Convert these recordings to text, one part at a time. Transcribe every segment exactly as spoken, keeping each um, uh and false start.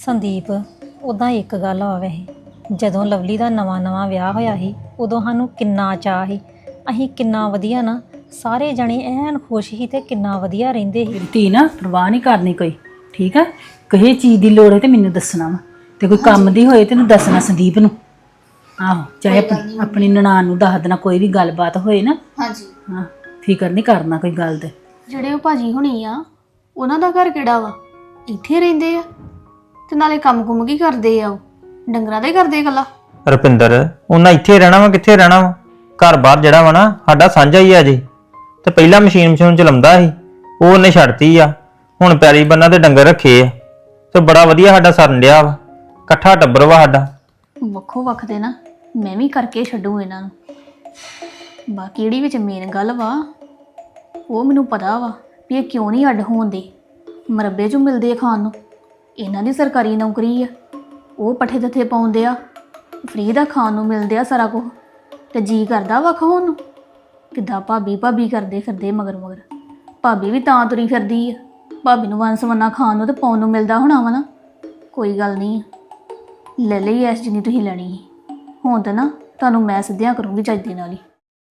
ਸੰਦੀਪ ਉਦਾਂ ਇੱਕ ਗੱਲ ਆ ਵੈਸੇ ਜਦੋਂ ਲਵਲੀ ਦਾ ਨਵਾਂ ਨਵਾਂ ਵਿਆਹ ਹੋਇਆ ਸੀ ਉਦੋਂ ਸਾਨੂੰ ਕਿੰਨਾ ਚਾਅ ਸੀ। ਅਸੀਂ ਕਿੰਨਾ ਵਧੀਆ ਨਾ ਸਾਰੇ ਜਣੇ ਐਨ ਖੁਸ਼ ਸੀ ਤੇ ਕਿੰਨਾ ਵਧੀਆ ਰਹਿੰਦੇ ਸੀ। ਮੇਰੀ ਧੀ ਨਾ ਪਰਵਾਹ ਨਹੀਂ ਕਰਨੀ ਕੋਈ, ਠੀਕ ਆ। ਕਿਸੇ ਚੀਜ਼ ਦੀ ਲੋੜ ਹੈ ਤੇ ਮੈਨੂੰ ਦੱਸਣਾ ਵਾ, ਤੇ ਕੋਈ ਕੰਮ ਦੀ ਹੋਏ ਤੈਨੂੰ ਦੱਸਣਾ ਸੰਦੀਪ ਨੂੰ। ਆਹੋ, ਚਾਹੇ ਆਪਣੀ ਆਪਣੀ ਨਨਾਣ ਨੂੰ ਦੱਸ ਦੇਣਾ, ਕੋਈ ਵੀ ਗੱਲਬਾਤ ਹੋਏ ਨਾ। ਹਾਂਜੀ ਹਾਂ, ਫਿਕਰ ਨਹੀਂ ਕਰਨਾ ਕੋਈ ਗੱਲ ਤੇ। ਜਿਹੜੇ ਉਹ ਭਾਜੀ ਹੁਣੀ ਆ ਉਹਨਾਂ ਦਾ ਘਰ ਕਿਹੜਾ ਵਾ? ਇੱਥੇ ਰਹਿੰਦੇ ਆ ਤੇ ਨਾਲੇ ਕੰਮ ਕੁੰਮ ਕੀ ਕਰਦੇ ਆ? ਉਹ ਡੰਗਰਾਂ ਦਾ ਹੀ ਕਰਦੇ ਇਕੱਲਾ? ਰੁਪਿੰਦਰ ਉਹਨਾਂ ਇੱਥੇ ਰਹਿਣਾ ਵਾ, ਕਿੱਥੇ ਰਹਿਣਾ ਵਾ? ਘਰ ਬਾਹਰ ਜਿਹੜਾ ਵਾ ਨਾ ਸਾਡਾ ਸਾਂਝਾ ਹੀ ਆ ਜੀ। ਤੇ ਪਹਿਲਾਂ ਮਸ਼ੀਨ ਮਸ਼ੀਨ ਚਲਾਉਂਦਾ ਸੀ, ਉਹ ਉਹਨੇ ਛੱਡਤੀ ਆ। ਹੁਣ ਪੈਲੀ ਬੰਨਾ ਤੇ ਡੰਗਰ ਰੱਖੇ ਆ ਤੇ ਬੜਾ ਵਧੀਆ ਸਾਡਾ ਸਰਨ ਡਿਆ ਵਾ। ਇਕੱਠਾ ਟੱਬਰ ਵਾ ਸਾਡਾ। ਵੱਖੋ ਵੱਖ ਦੇ ਨਾ ਮੈਂ ਵੀ ਕਰਕੇ ਛੱਡੂ ਇਹਨਾਂ ਨੂੰ। ਬਾਕੀ ਜਿਹੜੀ ਵਿੱਚ ਮੇਨ ਗੱਲ ਵਾ ਉਹ ਮੈਨੂੰ ਪਤਾ ਵਾ ਵੀ ਇਹ ਕਿਉਂ ਨਹੀਂ ਅੱਡ ਹੋਣ ਦੇ। ਮਰੱਬੇ 'ਚੋਂ ਮਿਲਦੇ ਆ ਖਾਣ ਨੂੰ। ਇਹਨਾਂ ਦੀ ਸਰਕਾਰੀ ਨੌਕਰੀ ਆ, ਉਹ ਪੱਠੇ ਦੱਥੇ ਪਾਉਂਦੇ ਆ, ਫ੍ਰੀ ਦਾ ਖਾਣ ਨੂੰ ਮਿਲਦੇ ਆ ਸਾਰਾ ਕੁਝ। ਤੇ ਜੀ ਕਰਦਾ ਵਾ ਖਾਣ ਨੂੰ। ਕਿੱਦਾਂ ਭਾਬੀ ਭਾਬੀ ਕਰਦੇ ਫਿਰਦੇ ਮਗਰ ਮਗਰ। ਭਾਬੀ ਵੀ ਤਾਂ ਤੁਰੀ ਫਿਰਦੀ ਆ, ਭਾਬੀ ਨੂੰ ਵੰਨ ਸਵੰਨਾ ਖਾਣ ਨੂੰ ਤੇ ਪਾਉਣ ਨੂੰ ਮਿਲਦਾ ਹੋਣਾ ਵਾ ਨਾ। ਕੋਈ ਗੱਲ ਨਹੀਂ, ਲੈ ਲਈ ਐਸ ਜਿੰਨੀ ਤੁਸੀਂ ਲੈਣੀ ਸੀ। ਹੁਣ ਤਾਂ ਨਾ ਤੁਹਾਨੂੰ ਮੈਂ ਸਿੱਧਿਆਂ ਕਰੂੰਗੀ ਚੱਜ ਦੇ ਨਾਲ ਹੀ।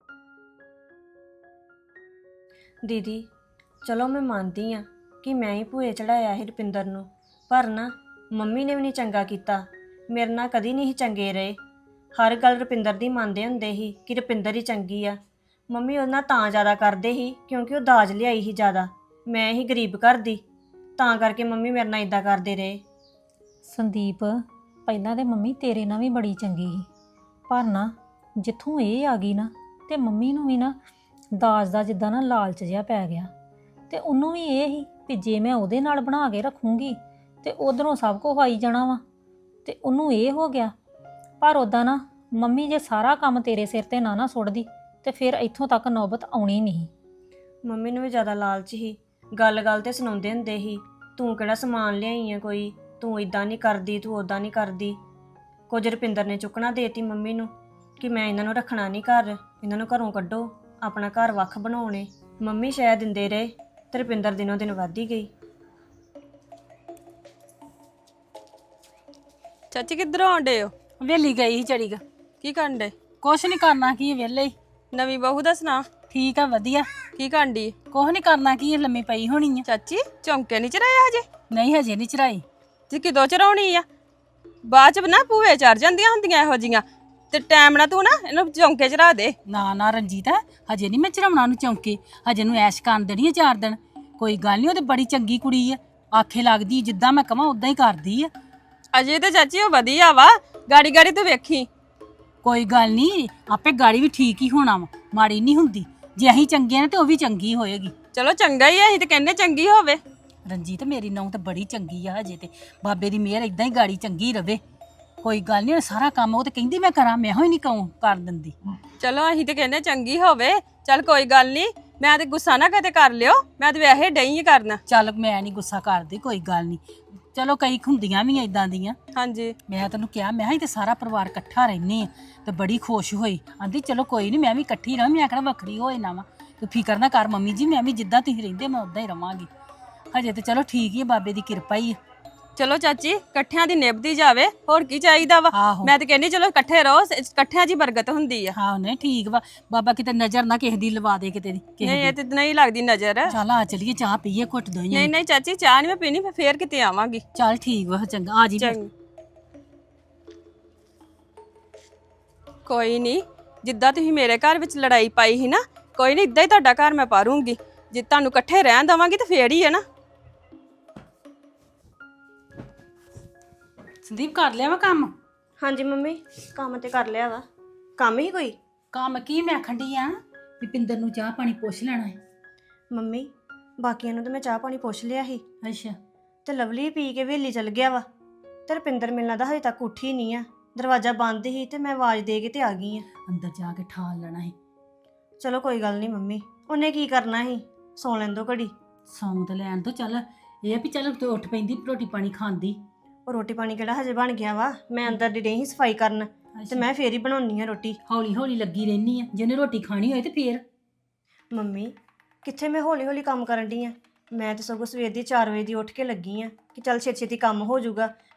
ਦੀਦੀ ਚਲੋ ਮੈਂ ਮੰਨਦੀ ਆ ਕਿ ਮੈਂ ਹੀ ਭੂਏ ਚੜਾਇਆ ਸੀ ਰੁਪਿੰਦਰ ਨੂੰ, ਪਰ ਨਾ ਮੰਮੀ ਨੇ ਵੀ ਨਹੀਂ ਚੰਗਾ ਕੀਤਾ। ਮੇਰੇ ਨਾਲ ਕਦੀ ਨਹੀਂ ਚੰਗੇ ਰਹੇ। ਹਰ ਗੱਲ ਰੁਪਿੰਦਰ ਦੀ ਮੰਨਦੇ ਹੁੰਦੇ ਸੀ ਕਿ ਰੁਪਿੰਦਰ ਹੀ ਚੰਗੀ ਆ। ਮੰਮੀ ਉਹਦੇ ਨਾਲ ਤਾਂ ਜ਼ਿਆਦਾ ਕਰਦੇ ਸੀ ਕਿਉਂਕਿ ਉਹ ਦਾਜ ਲਿਆਈ ਸੀ ਜ਼ਿਆਦਾ। ਮੈਂ ਹੀ ਗਰੀਬ ਘਰ ਦੀ, ਤਾਂ ਕਰਕੇ ਮੰਮੀ ਮੇਰੇ ਨਾਲ ਇਦਾਂ ਕਰਦੇ ਰਹੇ। ਸੰਦੀਪ ਪਹਿਲਾਂ ਤੇ ਮੰਮੀ ਤੇਰੇ ਨਾਲ ਵੀ ਬੜੀ ਚੰਗੀ ਸੀ, ਪਰ ਨਾ ਜਿੱਥੋਂ ਇਹ ਆ ਗਈ ਨਾ ਤੇ ਮੰਮੀ ਨੂੰ ਵੀ ਨਾ ਦਾਜ ਦਾ ਜਿੱਦਾਂ ਨਾ ਲਾਲਚ ਜਿਹਾ ਪੈ ਗਿਆ। ਤੇ ਉਹਨੂੰ ਵੀ ਇਹ ਹੀ ਵੀ ਜੇ ਮੈਂ ਉਹਦੇ ਨਾਲ ਬਣਾ ਕੇ ਰੱਖੂੰਗੀ ਤੇ ਉਧਰੋਂ ਸਭ ਕੁਝ ਆਈ ਜਾਣਾ ਵਾ, ਤੇ ਉਹਨੂੰ ਇਹ ਹੋ ਗਿਆ। ਪਰ ਉੱਦਾਂ ਨਾ ਮੰਮੀ ਜੇ ਸਾਰਾ ਕੰਮ ਤੇਰੇ ਸਿਰ ਤੇ ਨਾ ਨਾ ਸੁੱਟਦੀ ਤੇ ਫਿਰ ਇੱਥੋਂ ਤੱਕ ਨੌਬਤ ਆਉਣੀ ਨਹੀਂ। ਮੰਮੀ ਨੂੰ ਵੀ ਜ਼ਿਆਦਾ ਲਾਲਚ ਸੀ। ਗੱਲ ਗੱਲ ਤੇ ਸੁਣਾਉਂਦੇ ਹੁੰਦੇ ਸੀ, ਤੂੰ ਕਿਹੜਾ ਸਮਾਨ ਲਿਆਈ ਆ ਕੋਈ, ਤੂੰ ਇਦਾਂ ਨਹੀਂ ਕਰਦੀ, ਤੂੰ ਉਦਾਂ ਨਹੀਂ ਕਰਦੀ। ਕੁਝ ਰੁਪਿੰਦਰ ਨੇ ਚੁੱਕਣਾ ਦੇਤੀ ਮੰਮੀ ਨੂੰ ਕਿ ਮੈਂ ਇਹਨਾਂ ਨੂੰ ਰੱਖਣਾ ਨਹੀਂ ਘਰ, ਇਹਨਾਂ ਨੂੰ ਘਰੋਂ ਕੱਢੋ, ਆਪਣਾ ਘਰ ਵੱਖ ਬਣਾਉਣੇ। ਮੰਮੀ ਸ਼ਾਇਦ ਦਿੰਦੇ ਰਹੇ ਤੇ ਰੁਪਿੰਦਰ ਦਿਨੋਂ ਦਿਨ ਵੱਧਦੀ ਗਈ। ਚਾਚੀ ਕਿੱਧਰੋਂ ਆਉਂਦੇ ਹੋ? ਵੇਲੀ ਗਈ ਸੀ ਚੜੀ ਗਾ। ਕੀ ਕਰਨ ਡੇ? ਕੁਛ ਨਹੀਂ ਕਰਨਾ, ਕੀ ਵਿਹਲੇ ਹੀ। ਨਵੀਂ ਬਹੂ ਦਾ ਸੁਣਾ। ਠੀਕ ਆ, ਵਧੀਆ। ਕੀ ਕਰਨ ਡਈ? ਕੁਛ ਨਹੀਂ ਕਰਨਾ, ਕੀ ਲੰਮੀ ਪਈ ਹੋਣੀ ਆ। ਚਾਚੀ ਚੌਂਕੇ ਨਹੀਂ ਚਰਾਇਆ ਹਜੇ? ਨਹੀਂ ਹਜੇ ਨਹੀਂ ਚੜਾਈ। ਤੇ ਕਿਦੋਂ ਚਰਾਉਣੀ ਆ? ਬਾਅਦ ਚ ਨਾ ਭੂਏ ਚੜ ਜਾਂਦੀਆਂ ਹੁੰਦੀਆਂ ਇਹੋ ਜੀਆਂ। ਤੇ ਟਾਈਮ ਨਾਲ ਤੂੰ ਨਾ ਇਹਨੂੰ ਚੌਂਕੇ ਚੜਾ ਦੇ। ਨਾ ਨਾ ਰਣਜੀਤ, ਹਜੇ ਨਹੀਂ ਮੈਂ ਚੜਾਉਣਾ ਨੂੰ ਚੌਂਕੇ। ਹਜੇ ਨੂੰ ਐਸ਼ ਕਰਨ ਦੇਣੀ ਆ ਚਾਰ ਦਿਨ। ਕੋਈ ਗੱਲ ਨਹੀਂ, ਉਹ ਤੇ ਬੜੀ ਚੰਗੀ ਕੁੜੀ ਆ, ਆਖੇ ਲੱਗਦੀ। ਜਿੱਦਾਂ ਮੈਂ ਕਹਾਂ ਉਦਾਂ ਹੀ ਕਰਦੀ ਆ। ਅਜੇ ਤੇ ਚਾਚੀ ਉਹ ਵਧੀਆ ਵਾ, ਗਾੜੀ ਗਾੜੀ ਤੂੰ ਵੇਖੀ। ਕੋਈ ਗੱਲ ਨਹੀਂ, ਆਪੇ ਗਾੜੀ ਵੀ ਠੀਕ ਹੀ ਹੋਣਾ ਵਾ, ਮਾੜੀ ਨਹੀਂ ਹੁੰਦੀ। ਜੇ ਅਸੀਂ ਚੰਗੇ ਆ ਨਾ ਤੇ ਉਹ ਵੀ ਚੰਗੀ ਹੋਏਗੀ। ਚਲੋ ਚੰਗਾ ਹੀ ਆ, ਅਸੀਂ ਤੇ ਕਹਿੰਦੇ ਚੰਗੀ ਹੋਵੇ। ਰਣਜੀਤ ਮੇਰੀ ਨੂੰਹ ਤਾਂ ਬੜੀ ਚੰਗੀ ਆ ਹਜੇ, ਤੇ ਬਾਬੇ ਦੀ ਮਿਹਰ ਇਦਾਂ ਹੀ ਗਾੜੀ ਚੰਗੀ ਰਵੇ। ਕੋਈ ਗੱਲ ਨਹੀਂ, ਸਾਰਾ ਕੰਮ ਉਹ ਤੇ ਕਹਿੰਦੀ ਮੈਂ ਕਰਾਂ, ਮੈਂ ਹੀ ਨਹੀਂ ਕਹੂੰ ਕਰ ਦਿੰਦੀ। ਚਲੋ ਅਸੀਂ ਤੇ ਕਹਿੰਦੇ ਚੰਗੀ ਹੋਵੇ। ਚੱਲ ਕੋਈ ਗੱਲ ਨਹੀਂ, ਮੈਂ ਤੇ ਗੁੱਸਾ ਨਾ ਕਦੇ ਕਰ ਲਿਓ, ਮੈਂ ਤੇ ਵੈਸੇ ਡਈ ਹੀ ਕਰਨਾ। ਚੱਲ ਮੈਂ ਨਹੀਂ ਗੁੱਸਾ ਕਰਦੀ, ਕੋਈ ਗੱਲ ਨਹੀਂ। ਚਲੋ ਕਈ ਹੁੰਦੀਆਂ ਵੀ ਇਦਾਂ ਦੀਆਂ। ਹਾਂਜੀ ਮੈਂ ਤੈਨੂੰ ਕਿਹਾ, ਮੈਂ ਤੇ ਸਾਰਾ ਪਰਿਵਾਰ ਇਕੱਠਾ ਰਹਿੰਦੇ ਆ, ਤੇ ਬੜੀ ਖੁਸ਼ ਹੋਈ। ਆਂਦੀ ਚਲੋ ਕੋਈ ਨਹੀਂ, ਮੈਂ ਵੀ ਇਕੱਠੀ ਰਹਾਂ। ਮੈਂ ਕਿਹੜਾ ਵੱਖਰੀ ਹੋਏ ਨਾ ਵਾ, ਤੂੰ ਫਿਕਰ ਨਾ ਕਰ ਮੰਮੀ ਜੀ, ਮੈਂ ਵੀ ਜਿੱਦਾਂ ਤੁਸੀਂ ਰਹਿੰਦੇ ਮੈਂ ਉਦਾਂ ਹੀ ਰਵਾਂਗੀ। ਹਜੇ ਤੇ ਚਲੋ ਠੀਕ ਹੀ ਆ, ਬਾਬੇ ਦੀ ਕਿਰਪਾ ਹੀ ਆ। ਚਲੋ ਚਾਚੀ, ਇਕੱਠਿਆਂ ਦੀ ਨਿਭਦੀ ਜਾਵੇ, ਹੋਰ ਕੀ ਚਾਹੀਦਾ ਵਾ। ਆਹੋ। ਮੈਂ ਤੇ ਕਹਿੰਦੀ ਚਲੋ ਇਕੱਠੇ ਰਹੋ, ਇਕੱਠਿਆਂ 'ਚ ਹੀ ਬਰਕਤ ਹੁੰਦੀ ਆ। ਹਾਂ ਨਹੀਂ ਠੀਕ ਵਾ, ਬਾਬਾ ਕਿਤੇ ਨਜ਼ਰ ਨਾ ਕਿਸੇ ਦੀ ਲਵਾ ਦੇ ਕਿਤੇ ਦੀ ਕਿਸੇ ਨਹੀਂ ਇਹ ਦੀ। ਤੇ ਨਹੀਂ ਲੱਗਦੀ ਨਜ਼ਰ। ਚੱਲ ਆ ਚਲੀਏ, ਚਾਹ ਪੀਏ ਘੁੱਟ ਦੋਈਆਂ। ਨਹੀਂ ਨਹੀਂ ਚਾਚੀ, ਚਾਹ ਨਹੀਂ ਮੈਂ ਪੀਣੀ, ਮੈਂ ਫੇਰ ਕਿਤੇ ਆਵਾਂਗੀ। ਚੱਲ ਠੀਕ ਵਾ, ਚੰਗਾ ਆ ਜੀ ਫਿਰ। ਚੰਗ ਕੋਈ ਨਹੀਂ, ਜਿੱਦਾਂ ਤੁਸੀਂ ਮੇਰੇ ਘਰ ਵਿੱਚ ਲੜਾਈ ਪਾਈ ਸੀ ਨਾ, ਕੋਈ ਨਹੀਂ ਇਦਾਂ ਹੀ ਤੁਹਾਡਾ ਘਰ ਮੈਂ ਪਾਰੂੰਗੀ। ਜੇ ਤੁਹਾਨੂੰ ਇਕੱਠੇ ਰਹਿਣ ਦੇਵਾਂਗੀ ਤਾਂ ਫੇਰ ਹੀ ਹੈ ਨਾ। ਸੰਦੀਪ ਕਰ ਲਿਆ ਵਾ ਕੰਮ? ਹਾਂਜੀ ਮੰਮੀ, ਕੰਮ ਤੇ ਕਰ ਲਿਆ ਵਾ। ਕੰਮ ਹੀ ਕੋਈ? ਕੰਮ ਕੀ, ਮੈਂ ਆਖਣ ਡਈ ਆ ਵੀ ਪਿੰਦਰ ਨੂੰ ਚਾਹ ਪਾਣੀ ਪੁੱਛ ਲੈਣਾ ਹੈ। ਮੰਮੀ ਬਾਕੀਆਂ ਨੂੰ ਤਾਂ ਮੈਂ ਚਾਹ ਪਾਣੀ ਪੁੱਛ ਲਿਆ ਸੀ, ਅੱਛਾ। ਤੇ ਲਵਲੀ ਪੀ ਕੇ ਵੇਲੀ ਚਲ ਗਿਆ ਵਾ। ਤੇ ਰੁਪਿੰਦਰ ਮਿਲਣਾ ਤਾਂ ਹਜੇ ਤੱਕ ਉੱਠੀ ਨਹੀਂ ਆ। ਦਰਵਾਜ਼ਾ ਬੰਦ ਸੀ ਤੇ ਮੈਂ ਆਵਾਜ਼ ਦੇ ਕੇ ਤੇ ਆ ਗਈ ਆ। ਅੰਦਰ ਜਾ ਕੇ ਠਾਲ ਲੈਣਾ ਹੈ। ਚਲੋ ਕੋਈ ਗੱਲ ਨਹੀਂ ਮੰਮੀ, ਉਹਨੇ ਕੀ ਕਰਨਾ ਸੀ, ਸੌ ਲੈਣ ਦੋ ਘੜੀ। ਸੌਂ ਤੇ ਲੈਣ ਤੋਂ, ਚੱਲ ਇਹ ਆ ਵੀ ਚੱਲ ਤੂੰ ਉੱਠ ਪੈਂਦੀ, ਰੋਟੀ ਪਾਣੀ ਖਾਂਦੀ। ਉਹ ਰੋਟੀ ਪਾਣੀ ਕਿਹੜਾ ਹਜੇ ਬਣ ਗਿਆ ਵਾ? ਮੈਂ ਅੰਦਰ ਦੀ ਰਹੀ ਸਫਾਈ ਕਰਨ, ਤੇ ਮੈਂ ਫੇਰ ਹੀ ਬਣਾਉਣੀ ਆ ਰੋਟੀ। ਹੌਲੀ ਹੌਲੀ ਲੱਗੀ ਰਹਿਨੀ ਆ, ਜਿਹਨੇ ਰੋਟੀ ਖਾਣੀ ਹੋਏ ਤੇ ਫੇਰ। ਮੰਮੀ ਕਿੱਥੇ ਮੈਂ ਹੌਲੀ ਹੌਲੀ ਕੰਮ ਕਰਨ ਡਈ ਆ। ਮੈਂ ਤਾਂ ਸਗੋਂ ਸਵੇਰ ਦੀ ਚਾਰ ਵਜੇ ਦੀ ਉੱਠ ਕੇ ਲੱਗੀ ਆ ਕਿ ਚੱਲ ਛੇਤੀ ਛੇਤੀ ਕੰਮ ਹੋ ਜਾਊਗਾ।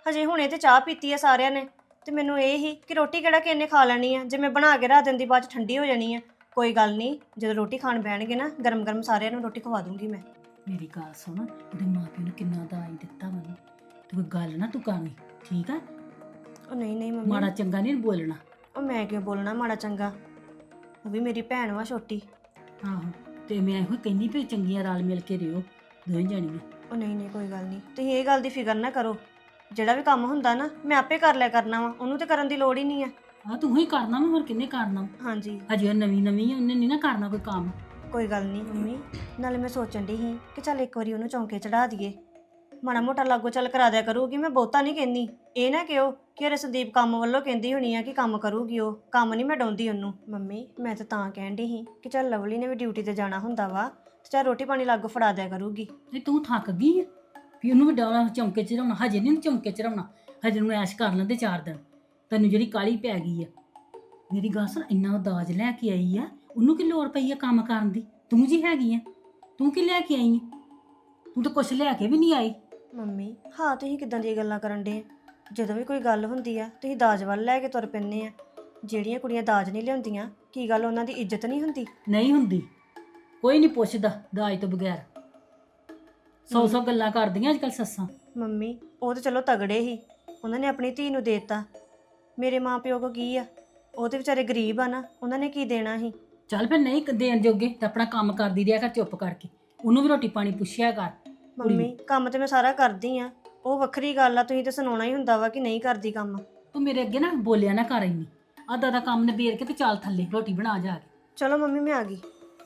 ਹਜੇ ਹੁਣੇ ਤੇ ਚਾਹ ਪੀਤੀ ਆ ਸਾਰਿਆਂ ਨੇ ਤੇ ਮੈਨੂੰ ਇਹ ਹੀ ਕਿ ਰੋਟੀ ਕਿਹੜਾ ਕਿਸੇ ਨੇ ਖਾ ਲੈਣੀ ਆ, ਜੇ ਮੈਂ ਬਣਾ ਕੇ ਰੱਖ ਦਿੰਦੀ ਬਾਅਦ ਚ ਠੰਡੀ ਹੋ ਜਾਣੀ ਆ। ਕੋਈ ਗੱਲ ਨਹੀਂ, ਜਦੋਂ ਰੋਟੀ ਖਾਣ ਬਹਿਣਗੇ ਨਾ ਗਰਮ ਗਰਮ ਸਾਰਿਆਂ ਨੂੰ ਰੋਟੀ ਖਵਾ ਦੂੰਗੀ ਮੈਂ। ਮੇਰੀ ਗੱਲ ਸੁਣ, ਉਹਦੇ ਮਾਪਿਆਂ ਨੇ ਕਿੰਨਾ ਦਾਜ ਦਿੱਤਾ ਮੈਨੂੰ, ਤੂੰ ਗੱਲ ਨਾ ਤੂੰ ਕਰਨੀ, ਠੀਕ ਆ? ਉਹ ਨਹੀਂ ਨਹੀਂ ਮੰਮੀ, ਮਾੜਾ ਚੰਗਾ ਨਹੀਂ ਬੋਲਣਾ। ਉਹ ਮੈਂ ਕਿਉਂ ਬੋਲਣਾ ਮਾੜਾ ਚੰਗਾ, ਉਹ ਵੀ ਮੇਰੀ ਭੈਣ ਵਾ ਛੋਟੀ। ਆਹੋ, ਤੇ ਮੈਂ ਇਹੋ ਕਹਿੰਦੀ ਵੀ ਚੰਗੀਆਂ ਰਲ ਮਿਲ ਕੇ ਰਿਓ ਦੋਵੇਂ ਜਾਣੀਆਂ। ਉਹ ਨਹੀਂ ਨਹੀਂ ਕੋਈ ਗੱਲ ਨਹੀਂ, ਤੁਸੀਂ ਇਹ ਗੱਲ ਦੀ ਫਿਕਰ ਨਾ ਕਰੋ, ਜਿਹੜਾ ਵੀ ਕੰਮ ਹੁੰਦਾ ਨਾ ਮੈਂ ਆਪੇ ਕਰ ਲਿਆ ਕਰਨਾ ਵਾ, ਉਹਨੂੰ ਤੇ ਕਰਨ ਦੀ ਲੋੜ ਹੀ ਨਹੀਂ ਆ। ਆ ਤੂੰ ਹੀ ਕਰਨਾ ਵਾ, ਹੋਰ ਕਿੰਨੇ ਕਰਨਾ ਵਾ? ਹਾਂਜੀ ਹਜੇ ਉਹ ਨਵੀਂ ਨਵੀਂ ਆ, ਉਹਨੇ ਨਹੀਂ ਨਾ ਕਰਨਾ ਕੋਈ ਕੰਮ। ਕੋਈ ਗੱਲ ਨਹੀਂ ਮੰਮੀ, ਨਾਲੇ ਮੈਂ ਸੋਚਣ ਦੀ ਸੀ ਕਿ ਚੱਲ ਇੱਕ ਵਾਰੀ ਉਹਨੂੰ ਚੌਂਕੇ ਚੜਾ ਦਈਏ, ਮਾੜਾ ਮੋਟਾ ਲਾਗੋ ਚੱਲ ਕਰਾ ਦਿਆ ਕਰੂਗੀ। ਮੈਂ ਬਹੁਤਾ ਨਹੀਂ ਕਹਿੰਦੀ, ਇਹ ਨਾ ਕਿਉ ਕਿ ਅਰੇ ਸੰਦੀਪ ਕੰਮ ਵੱਲੋਂ ਕਹਿੰਦੀ ਹੋਣੀ ਆ ਕਿ ਕੰਮ ਕਰੂਗੀ, ਉਹ ਕੰਮ ਨਹੀਂ ਮੈਂ ਡਾਉਂਦੀ ਉਹਨੂੰ। ਮੰਮੀ ਮੈਂ ਤਾਂ ਤਾਂ ਕਹਿਣ ਦੀ ਸੀ ਕਿ ਚੱਲ ਲਵਲੀ ਨੇ ਵੀ ਡਿਊਟੀ ਤੇ ਜਾਣਾ ਹੁੰਦਾ ਵਾ ਤੇ ਚੱਲ ਰੋਟੀ ਪਾਣੀ ਲਾਗੋ ਫੜਾ ਦਿਆ ਕਰੂਗੀ। ਤੇ ਤੂੰ ਥੱਕ ਗਈ ਆ ਵੀ ਉਹਨੂੰ ਵੀ ਡਾਉਣਾ ਚੌਂਕੇ ਚ ਰਹਿਣਾ? ਹਜੇ ਨਹੀਂ ਚੌਂਕੇ ਚ ਰਹਿਣਾ, ਹਜੇ ਨੂੰ ਐਸ਼ ਕਰ ਲੈਂਦੇ ਚਾਰ ਦਿਨ। ਤੈਨੂੰ ਜਿਹੜੀ ਕਾਲੀ ਪੈ ਗਈ ਆ, ਮੇਰੀ ਗੱਲ ਸੁਣ, ਇੰਨਾ ਦਾਜ ਲੈ ਕੇ ਆਈ ਆ, ਉਹਨੂੰ ਕੀ ਲੋੜ ਪਈ ਆ ਕੰਮ ਕਰਨ ਦੀ? ਤੂੰ ਜੀ ਹੈਗੀ ਆ, ਤੂੰ ਕੀ ਲੈ ਕੇ ਆਈ ਆ? ਤੂੰ ਤਾਂ ਕੁਛ ਲੈ ਕੇ ਵੀ ਨਹੀਂ ਆਈ। ਮੰਮੀ ਹਾਂ, ਤੁਸੀਂ ਕਿੱਦਾਂ ਦੀਆਂ ਗੱਲਾਂ ਕਰਨ ਡੇ? ਜਦੋਂ ਵੀ ਕੋਈ ਗੱਲ ਹੁੰਦੀ ਆ ਤੁਸੀਂ ਦਾਜ ਵੱਲ ਲੈ ਕੇ ਤੁਰ ਪੈਂਦੇ ਆ। ਜਿਹੜੀਆਂ ਕੁੜੀਆਂ ਦਾਜ ਨਹੀਂ ਲਿਆਉਂਦੀਆਂ, ਕੀ ਗੱਲ ਉਹਨਾਂ ਦੀ ਇੱਜ਼ਤ ਨਹੀਂ ਹੁੰਦੀ? ਨਹੀਂ ਹੁੰਦੀ, ਕੋਈ ਨਹੀਂ ਪੁੱਛਦਾ ਦਾਜ ਤੋਂ ਬਗੈਰ। ਸੌ ਸੌ ਗੱਲਾਂ ਕਰਦੀਆਂ ਅੱਜ ਕੱਲ੍ਹ ਸੱਸਾਂ। ਮੰਮੀ ਉਹ ਤਾਂ ਚਲੋ ਤਗੜੇ ਹੀ, ਉਹਨਾਂ ਨੇ ਆਪਣੀ ਧੀ ਨੂੰ ਦੇਤਾ। ਮੇਰੇ ਮਾਂ ਪਿਓ ਕੋ ਕੀ ਆ? ਉਹ ਤੇ ਵਿਚਾਰੇ ਗਰੀਬ ਆ ਨਾ, ਉਹਨਾਂ ਨੇ ਕੀ ਦੇਣਾ ਸੀ? ਚੱਲ ਫਿਰ ਨਹੀਂ ਦੇਣ ਜੋਗੇ ਤਾਂ ਆਪਣਾ ਕੰਮ ਕਰਦੀ ਰਿਹਾ ਕਰ ਚੁੱਪ ਕਰਕੇ, ਉਹਨੂੰ ਵੀ ਰੋਟੀ ਪਾਣੀ ਪੁੱਛਿਆ ਕਰ। ਮੰਮੀ ਕੰਮ ਤੇ ਮੈਂ ਸਾਰਾ ਕਰਦੀ ਆ, ਉਹ ਵੱਖਰੀ ਗੱਲ ਆ, ਤੁਸੀਂ ਤਾਂ ਸੁਣਾਉਣਾ ਹੀ ਹੁੰਦਾ ਵਾ ਕਿ ਨਹੀਂ ਕਰਦੀ ਕੰਮ। ਤੂੰ ਮੇਰੇ ਅੱਗੇ ਨਾ ਬੋਲਿਆ ਨਾ ਕਰ ਇੰਨੀ, ਅੱਧਾ ਦਾ ਕੰਮ ਨਿਬੇੜ ਕੇ ਤੇ ਚੱਲ ਥੱਲੇ ਰੋਟੀ ਬਣਾ ਜਾ ਕੇ। ਚਲੋ ਮੰਮੀ ਮੈਂ ਆ ਗਈ।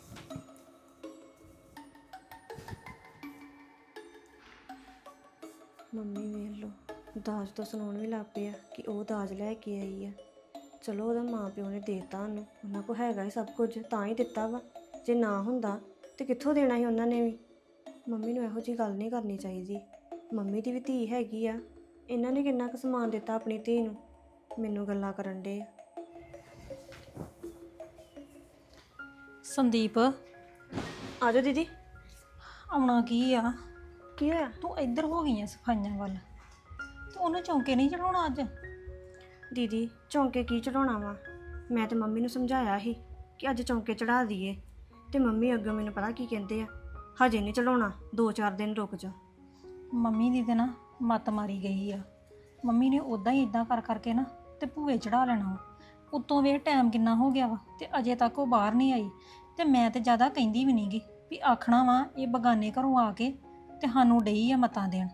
ਮੰਮੀ ਵੇਖ ਲਓ, ਦਾਜ ਤੋਂ ਸੁਣਾਉਣ ਵੀ ਲੱਗ ਪਿਆ ਕਿ ਉਹ ਦਾਜ ਲੈ ਕੇ ਆਈ ਆ। ਚਲੋ ਉਹਦਾ ਮਾਂ ਪਿਓ ਨੇ ਦੇਤਾ ਉਹਨੂੰ, ਉਹਨਾਂ ਕੋਲ ਹੈਗਾ ਹੀ ਸਭ ਕੁਝ ਤਾਂ ਹੀ ਦਿੱਤਾ ਵਾ, ਜੇ ਨਾ ਹੁੰਦਾ ਤੇ ਕਿੱਥੋਂ ਦੇਣਾ ਸੀ ਉਹਨਾਂ ਨੇ ਵੀ। ਮੰਮੀ ਨੂੰ ਇਹੋ ਜਿਹੀ ਗੱਲ ਨਹੀਂ ਕਰਨੀ ਚਾਹੀਦੀ, ਮੰਮੀ ਦੀ ਵੀ ਧੀ ਹੈਗੀ ਆ, ਇਹਨਾਂ ਨੇ ਕਿੰਨਾ ਕੁ ਸਮਾਨ ਦਿੱਤਾ ਆਪਣੀ ਧੀ ਨੂੰ। ਮੈਨੂੰ ਗੱਲਾਂ ਕਰਨ ਡੇ ਆ। ਸੰਦੀਪ ਆ ਜਾਓ ਦੀਦੀ। ਆਉਣਾ ਕੀ ਆ? ਕੀ ਹੋਇਆ? ਤੂੰ ਇੱਧਰ ਹੋ ਗਈ ਆ ਸਫਾਈਆਂ ਵੱਲ, ਤੂੰ ਉਹਨੂੰ ਚੌਂਕੇ ਨਹੀਂ ਚੜਾਉਣਾ ਅੱਜ? ਦੀਦੀ ਚੌਂਕੇ ਕੀ ਚੜਾਉਣਾ ਵਾ? ਮੈਂ ਤੇ ਮੰਮੀ ਨੂੰ ਸਮਝਾਇਆ ਸੀ ਕਿ ਅੱਜ ਚੌਂਕੇ ਚੜਾ ਦਈਏ, ਤੇ ਮੰਮੀ ਅੱਗੇ ਮੈਨੂੰ ਪਤਾ ਕੀ ਕਹਿੰਦੇ ਆ, ਹਜੇ ਨਹੀਂ ਚੜਾਉਣਾ, ਦੋ ਚਾਰ ਦਿਨ ਰੁਕ ਜਾ। ਮੰਮੀ ਦੀ ਤੇ ਨਾ ਮੱਤ ਮਾਰੀ ਗਈ ਆ। ਮੰਮੀ ਨੇ ਉਦਾਂ ਹੀ ਇਦਾਂ ਕਰ ਕਰਕੇ ਨਾ ਤੇ ਭੂਏ ਚੜਾ ਲੈਣਾ ਵਾ। ਉੱਤੋਂ ਵੇਖ ਟਾਈਮ ਕਿੰਨਾ ਹੋ ਗਿਆ ਵਾ ਤੇ ਅਜੇ ਤੱਕ ਉਹ ਬਾਹਰ ਨਹੀਂ ਆਈ। ਤੇ ਮੈਂ ਤੇ ਜ਼ਿਆਦਾ ਕਹਿੰਦੀ ਵੀ ਨਹੀਂਗੀ ਵੀ ਆਖਣਾ ਵਾ ਇਹ ਬਗਾਨੇ ਘਰੋਂ ਆ ਕੇ ਤੇ ਸਾਨੂੰ ਡਈ ਆ ਮਤਾਂ ਦੇਣ।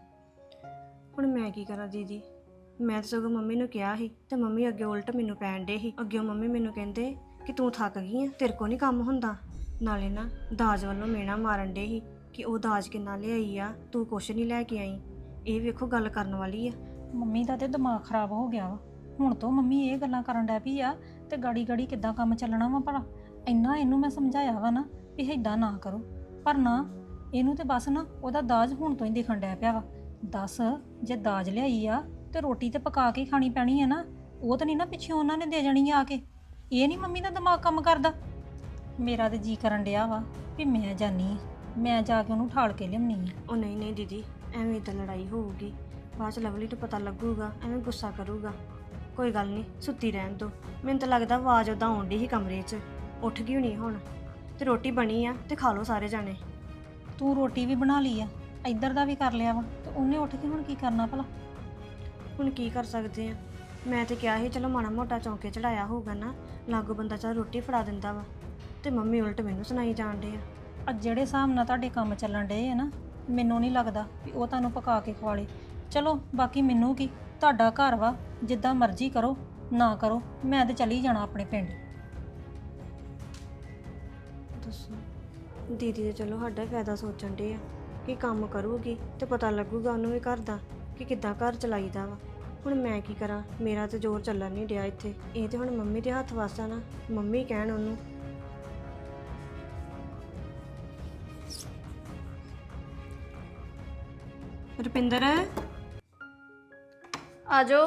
ਹੁਣ ਮੈਂ ਕੀ ਕਰਾਂ ਦੀਦੀ? ਮੈਂ ਤਾਂ ਸਗੋਂ ਮੰਮੀ ਨੂੰ ਕਿਹਾ ਸੀ ਤੇ ਮੰਮੀ ਅੱਗੇ ਉਲਟ ਮੈਨੂੰ ਪੈਣ ਡੇ ਸੀ। ਅੱਗੇ ਮੰਮੀ ਮੈਨੂੰ ਕਹਿੰਦੇ ਕਿ ਤੂੰ ਥੱਕ ਗਈ ਆ, ਤੇਰੇ ਕੋ ਨਹੀਂ ਕੰਮ ਹੁੰਦਾ। ਨਾਲੇ ਨਾ ਦਾਜ ਵੱਲੋਂ ਮੇਣਾ ਮਾਰਨ ਡੇ ਸੀ ਕਿ ਉਹ ਦਾਜ ਕਿੰਨਾ ਲਿਆਈ ਆ, ਤੂੰ ਕੁਛ ਨਹੀਂ ਲੈ ਕੇ ਆਈ। ਇਹ ਵੇਖੋ ਗੱਲ ਕਰਨ ਵਾਲੀ ਆ। ਮੰਮੀ ਦਾ ਤੇ ਦਿਮਾਗ ਖਰਾਬ ਹੋ ਗਿਆ ਵਾ। ਹੁਣ ਤੋਂ ਮੰਮੀ ਇਹ ਗੱਲਾਂ ਕਰਨ ਡੈ ਪਈ ਆ ਤੇ ਗਾੜੀ ਗਾੜੀ ਕਿੱਦਾਂ ਕੰਮ ਚੱਲਣਾ ਵਾ ਭਲਾ? ਇੰਨਾ ਇਹਨੂੰ ਮੈਂ ਸਮਝਾਇਆ ਵਾ ਨਾ ਵੀ ਇੱਦਾਂ ਨਾ ਕਰੋ, ਪਰ ਨਾ ਇਹਨੂੰ ਤੇ ਬਸ ਨਾ ਉਹਦਾ ਦਾਜ ਹੁਣ ਤੋਂ ਹੀ ਦਿਖਣ ਡੈ ਪਿਆ ਵਾ। ਦੱਸ, ਜੇ ਦਾਜ ਲਿਆਈ ਆ ਤੇ ਰੋਟੀ ਤੇ ਪਕਾ ਕੇ ਖਾਣੀ ਪੈਣੀ ਆ ਨਾ, ਉਹ ਤਾਂ ਨਹੀਂ ਨਾ ਪਿੱਛੇ ਉਹਨਾਂ ਨੇ ਦੇ ਜਾਣੀ ਆ ਕੇ। ਇਹ ਨਹੀਂ ਮੰਮੀ ਦਾ ਦਿਮਾਗ ਕੰਮ ਕਰਦਾ। ਮੇਰਾ ਤੇ ਜੀ ਕਰਨ ਡਿਆ ਵਾ ਵੀ ਮੈਂ ਜਾਨੀ ਆ, ਮੈਂ ਜਾ ਕੇ ਉਹਨੂੰ ਠਾਲ ਕੇ ਲਿਆਉਣੀ ਆ। ਉਹ ਨਹੀਂ ਨਹੀਂ ਦੀਦੀ, ਐਵੇਂ ਤਾਂ ਲੜਾਈ ਹੋਊਗੀ, ਬਾਅਦ ਚ ਲਵਲੀ ਨੂੰ ਪਤਾ ਲੱਗੂਗਾ, ਐਵੇਂ ਗੁੱਸਾ ਕਰੂਗਾ। ਕੋਈ ਗੱਲ ਨਹੀਂ, ਸੁੱਤੀ ਰਹਿਣ ਦੋ। ਮੈਨੂੰ ਤਾਂ ਲੱਗਦਾ ਆਵਾਜ਼ ਉਦਾਂ ਆਉਣ ਡਈ ਸੀ ਕਮਰੇ 'ਚ, ਉੱਠ ਗਈ ਹੋਣੀ ਹੁਣ। ਤੇ ਰੋਟੀ ਬਣੀ ਆ ਤੇ ਖਾ ਲਓ ਸਾਰੇ ਜਾਣੇ। ਤੂੰ ਰੋਟੀ ਵੀ ਬਣਾ ਲਈ ਆ, ਇੱਧਰ ਦਾ ਵੀ ਕਰ ਲਿਆ ਵਾ, ਤੇ ਉਹਨੇ ਉੱਠ ਕੇ ਹੁਣ ਕੀ ਕਰਨਾ ਭਲਾ? ਹੁਣ ਕੀ ਕਰ ਸਕਦੇ ਆ? ਮੈਂ ਤੇ ਕਿਹਾ ਸੀ ਚਲੋ ਮਾੜਾ ਮੋਟਾ ਚੌਂਕੇ ਚੜਾਇਆ ਹੋਊਗਾ ਨਾ, ਲਾਗੋ ਬੰਦਾ ਚਾਹ ਰੋਟੀ ਫੜਾ ਦਿੰਦਾ ਵਾ, ਤੇ ਮੰਮੀ ਉਲਟ ਮੈਨੂੰ ਸੁਣਾਈ ਜਾਣ ਡੇ ਆ। ਅੱਜ ਜਿਹੜੇ ਹਿਸਾਬ ਨਾਲ ਤੁਹਾਡੇ ਕੰਮ ਚੱਲਣ ਡਏ ਆ ਨਾ, ਮੈਨੂੰ ਨਹੀਂ ਲੱਗਦਾ ਵੀ ਉਹ ਤੁਹਾਨੂੰ ਪਕਾ ਕੇ ਖਵਾਲੇ। ਚਲੋ ਬਾਕੀ ਮੈਨੂੰ ਕੀ, ਤੁਹਾਡਾ ਘਰ ਵਾ, ਜਿੱਦਾਂ ਮਰਜ਼ੀ ਕਰੋ ਨਾ ਕਰੋ, ਮੈਂ ਤੇ ਚਲੀ ਜਾਣਾ ਆਪਣੇ ਪਿੰਡ। ਦੱਸੋ, ਦੀਦੀ ਤੇ ਚਲੋ ਸਾਡਾ ਫਾਇਦਾ ਸੋਚਣ ਡੇ ਆ ਕਿ ਕੰਮ ਕਰੂਗੀ ਤੇ ਪਤਾ ਲੱਗੂਗਾ ਉਹਨੂੰ ਵੀ ਘਰ ਦਾ ਕਿ ਕਿੱਦਾਂ ਘਰ ਚਲਾਈਦਾ ਵਾ। ਹੁਣ ਮੈਂ ਕੀ ਕਰਾਂ? ਮੇਰਾ ਤੇ ਜ਼ੋਰ ਚੱਲਣ ਨਹੀਂ ਡਿਆ ਇੱਥੇ। ਇਹ ਤੇ ਹੁਣ ਮੰਮੀ ਦੇ ਹੱਥ ਵਾਸਾ ਨਾ, ਮੰਮੀ ਕਹਿਣ ਉਹਨੂੰ। ਰੁਪਿੰਦਰ ਆ ਜਾਓ।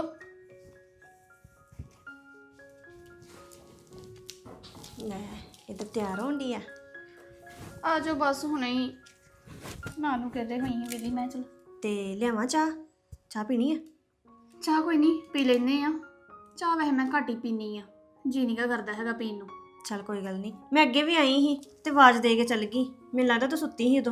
ਲੈ ਇੱਧਰ ਤਿਆਰ ਹੋਣ ਡਈ ਆ। ਆ ਜਾਓ ਬਸ ਹੁਣੇ ਹੀ ਨਾ ਨੂੰ ਕਹਦੇ ਹੋਈ ਹਾਂ ਵੀਦੀ ਮੈਂ ਚਲ। ਤੇ ਲਿਆਵਾਂ ਚਾਹ? ਚਾਹ ਪੀਣੀ ਆ? ਚਾਹ ਕੋਈ ਨਹੀਂ ਪੀ ਲੈਨੇ ਆ। ਚਾਹ ਵੈਸੇ ਮੈਂ ਘੱਟ ਹੀ ਪੀਨੀ ਆ, ਜੀ ਨਹੀਂ ਗਾ ਕਰਦਾ ਹੈਗਾ ਪੀਣ ਨੂੰ। ਚੱਲ ਕੋਈ ਗੱਲ ਨਹੀਂ, ਮੈਂ ਅੱਗੇ ਵੀ ਆਈ ਸੀ ਤੇ ਆਵਾਜ਼ ਦੇ ਕੇ ਚੱਲ ਗਈ। ਮੈਨੂੰ ਲੱਗਦਾ ਤੂੰ ਸੁੱਤੀ ਸੀ ਉਦੋਂ।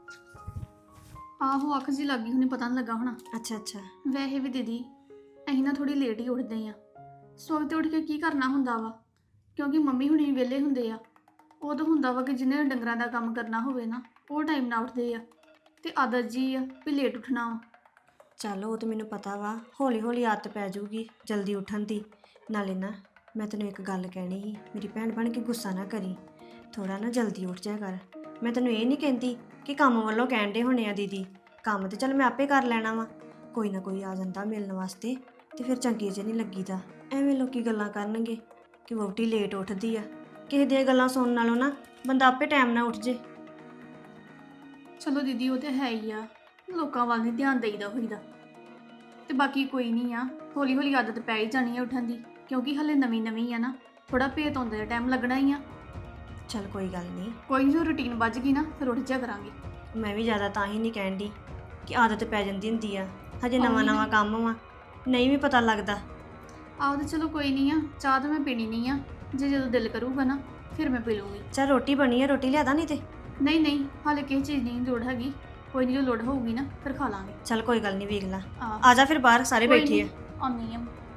ਆਹੋ ਅੱਖ ਜੀ ਲੱਗੀ ਹੁਣੀ, ਪਤਾ ਨਹੀਂ ਲੱਗਾ ਹੋਣਾ। ਅੱਛਾ ਅੱਛਾ। ਵੈਸੇ ਵੀ ਦੀਦੀ ਅਸੀਂ ਨਾ ਥੋੜੀ ਲੇਟ ਹੀ ਉੱਠਦੇ ਆ। ਸਵੇਰ ਤੇ ਉੱਠ ਕੇ ਕੀ ਕਰਨਾ ਹੁੰਦਾ ਵਾ, ਕਿਉਂਕਿ ਮੰਮੀ ਹੁਣੀ ਵਿਹਲੇ ਹੁੰਦੇ ਆ। ਉਹ ਤਾਂ ਹੁੰਦਾ ਵਾ ਕਿ ਜਿਹਨੇ ਡੰਗਰਾਂ ਦਾ ਕੰਮ ਕਰਨਾ ਹੋਵੇ ਨਾ, ਉਹ ਟਾਈਮ ਨਾਲ ਉੱਠਦੇ ਆ। ਤੇ ਆਦਤ ਜੀ ਆ ਵੀ ਲੇਟ ਉੱਠਣਾ ਵਾ। ਚੱਲ ਉਹ ਤਾਂ ਮੈਨੂੰ ਪਤਾ ਵਾ, ਹੌਲੀ ਹੌਲੀ ਆਦਤ ਪੈ ਜਾਊਗੀ ਜਲਦੀ ਉੱਠਣ ਦੀ। ਨਾਲੇ ਨਾ ਮੈਂ ਤੈਨੂੰ ਇੱਕ ਗੱਲ ਕਹਿਣੀ ਸੀ, ਮੇਰੀ ਭੈਣ ਬਣ ਕੇ ਗੁੱਸਾ ਨਾ ਕਰੀ, ਥੋੜਾ ਨਾ ਜਲਦੀ ਉੱਠ ਜਾ ਕਰ। ਮੈਂ ਤੈਨੂੰ ਇਹ ਨਹੀਂ ਕਹਿੰਦੀ ਕਿ ਕੰਮ ਵੱਲੋਂ ਕਹਿਣ ਦੇ ਹੋਣੇ ਆ ਦੀਦੀ, ਕੰਮ ਤੇ ਚੱਲ ਮੈਂ ਆਪੇ ਕਰ ਲੈਣਾ ਵਾ। ਕੋਈ ਨਾ ਕੋਈ ਆ ਜਾਂਦਾ ਮਿਲਣ ਵਾਸਤੇ ਤੇ ਫਿਰ ਚੰਗੇ ਜਿਹੇ ਨਹੀਂ ਲੱਗੀਦਾ। ਐਵੇਂ ਲੋਕੀ ਗੱਲਾਂ ਕਰਨਗੇ ਕਿ ਵਹੁਟੀ ਲੇਟ ਉੱਠਦੀ ਆ। ਕਿਸੇ ਦੀਆਂ ਗੱਲਾਂ ਸੁਣਨ ਨਾਲੋਂ ਨਾ ਬੰਦਾ ਆਪੇ ਟਾਈਮ ਨਾਲ ਉੱਠ ਜੇ। ਚਲੋ ਦੀਦੀ ਉਹ ਤੇ ਹੈ ਹੀ ਆ, ਲੋਕਾਂ ਵੱਲ ਨਹੀਂ ਧਿਆਨ ਦੇਈਦਾ ਹੋਈਦਾ। ਤੇ ਬਾਕੀ ਕੋਈ ਨਹੀਂ ਆ, ਹੌਲੀ ਹੌਲੀ ਆਦਤ ਪੈ ਹੀ ਜਾਣੀ ਆ ਉੱਠਣ ਦੀ, ਕਿਉਂਕਿ ਹਲੇ ਨਵੀਂ ਨਵੀਂ ਆ ਨਾ, ਥੋੜਾ ਭੇਤ ਆਉਂਦੇ ਦਾ ਟਾਈਮ ਲੱਗਣਾ ਹੀ ਆ। ਚੱਲ ਕੋਈ ਗੱਲ ਨਹੀਂ, ਕੋਈ ਜੋ ਰੁਟੀਨ ਵੱਜ ਗਈ ਨਾ ਫਿਰ ਉੱਠ ਜਾ ਕਰਾਂਗੇ। ਮੈਂ ਵੀ ਜ਼ਿਆਦਾ ਤਾਂ ਹੀ ਨਹੀਂ ਕਹਿਣ ਦੀ ਕਿ ਆਦਤ ਪੈ ਜਾਂਦੀ ਹੁੰਦੀ ਆ, ਹਜੇ ਨਵਾਂ ਉਹੀ ਨਾ। ਨਵਾਂ ਕੰਮ ਵਾ, ਨਹੀਂ ਵੀ ਪਤਾ ਲੱਗਦਾ। ਆਹ ਤੇ ਚਲੋ ਕੋਈ ਨਹੀਂ ਆ, ਚਾਹ ਤਾਂ ਮੈਂ ਪੀਣੀ ਨਹੀਂ ਆ, ਜੇ ਜਦੋਂ ਦਿਲ ਕਰੂਗਾ ਨਾ ਫਿਰ ਮੈਂ ਪੀ ਲੂੰਗੀ। ਚੱਲ ਰੋਟੀ ਬਣੀ ਆ, ਰੋਟੀ ਲਿਆਦਾ ਨਹੀਂ ਤੇ। ਨਹੀਂ ਨਹੀਂ ਹਾਲੇ ਕਿਸੇ ਚੀਜ਼ ਦੀ ਲੋੜ ਹੈਗੀ, ਕੋਈ ਨਹੀਂ ਜੋ ਲੋੜ ਹੋਊਗੀ ਨਾ ਫਿਰ ਖਾ ਲਾਂਗੇ। ਚੱਲ ਕੋਈ ਗੱਲ ਨਹੀਂ, ਵੇਖ ਲਾ। ਆਹ ਆ ਜਾ ਫਿਰ ਬਾਹਰ, ਸਾਰੇ ਕੋਈ ਬੈਠੇ ਆ। ਨੀ, ਆਉਂਦੀ ਆ।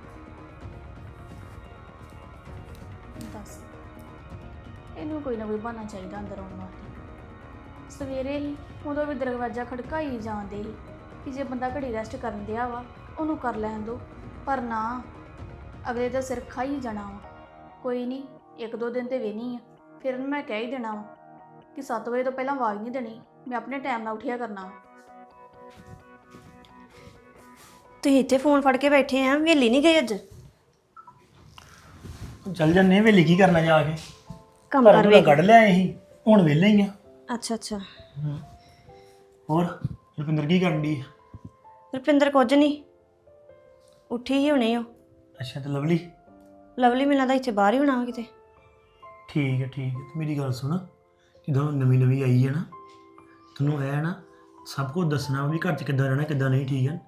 ਦੱਸ ਇਹਨੂੰ ਕੋਈ ਨਾ ਕੋਈ ਬਹਾਨਾ ਚਾਹੀਦਾ ਅੰਦਰ ਆਉਣ ਵਾਸਤੇ। ਸਵੇਰੇ ਹੀ ਉਦੋਂ ਵੀ ਦਰਵਾਜ਼ਾ ਖੜਕਾਈ ਜਾਂਦੇ ਸੀ ਕਿ ਜੇ ਬੰਦਾ ਘੜੀ ਰੈਸਟ ਕਰਨ ਦਿਆ ਵਾ ਉਹਨੂੰ ਕਰ ਲੈਣ ਦੋ, ਪਰ ਨਾ, ਅਗਲੇ ਦਾ ਸਿਰ ਖਾਈ ਜਾਣਾ ਵਾ। ਕੋਈ ਨਹੀਂ, ਇੱਕ ਦੋ ਦਿਨ ਤੇ ਵੇਹਨੀ ਆ, ਫਿਰ ਉਹਨੂੰ ਮੈਂ ਕਹਿ ਹੀ ਦੇਣਾ ਵਾ ਕਿ ਸੱਤ ਵਜੇ ਤੋਂ ਪਹਿਲਾਂ ਆਵਾਜ਼ ਨਹੀਂ ਦੇਣੀ, ਮੈਂ ਆਪਣੇ ਟਾਈਮ ਨਾਲ ਉੱਠਿਆ ਕਰਨਾ ਵਾ। ਤੁਸੀਂ ਇੱਥੇ ਫੋਨ ਫੜ ਕੇ ਬੈਠੇ ਆ, ਵੇਲੀ ਨਹੀਂ ਗਏ ਅੱਜ? ਚੱਲ ਜੰਨੇ ਵੇਲੇ ਕੀ ਕਰਨਾ ਜਾ ਕੇ, ਕੰਮ ਕਰ ਘਰ ਵੇ। ਕੱਢ ਲਿਆ ਅਸੀਂ, ਹੁਣ ਵਿਹਲੇ ਹੀ ਆ। ਅੱਛਾ ਅੱਛਾ। ਹੋਰ ਰੁਪਿੰਦਰ ਕੀ ਕਰਨ ਦੀ? ਰੁਪਿੰਦਰ ਕੁਝ ਨਹੀਂ, ਉੱਠੀ ਹੀ ਹੁਣੇ ਉਹ। ਅੱਛਾ ਤੇ ਲਵਲੀ? ਲਵਲੀ ਮੈਨੂੰ ਲੱਗਦਾ ਇੱਥੇ ਬਾਹਰ ਹੀ ਹੋਣਾ ਵਾ ਕਿਤੇ। ਠੀਕ ਹੈ ਠੀਕ ਹੈ। ਤੇ ਮੇਰੀ ਗੱਲ ਸੁਣ, ਜਦੋਂ ਨਵੀਂ ਨਵੀਂ ਆਈ ਹੈ ਨਾ, ਤੈਨੂੰ ਇਹ ਨਾ ਸਭ ਕੁਝ ਦੱਸਣਾ ਵੀ ਘਰ 'ਚ ਕਿੱਦਾਂ ਰਹਿਣਾ ਕਿੱਦਾਂ ਨਹੀਂ, ਠੀਕ ਹੈ?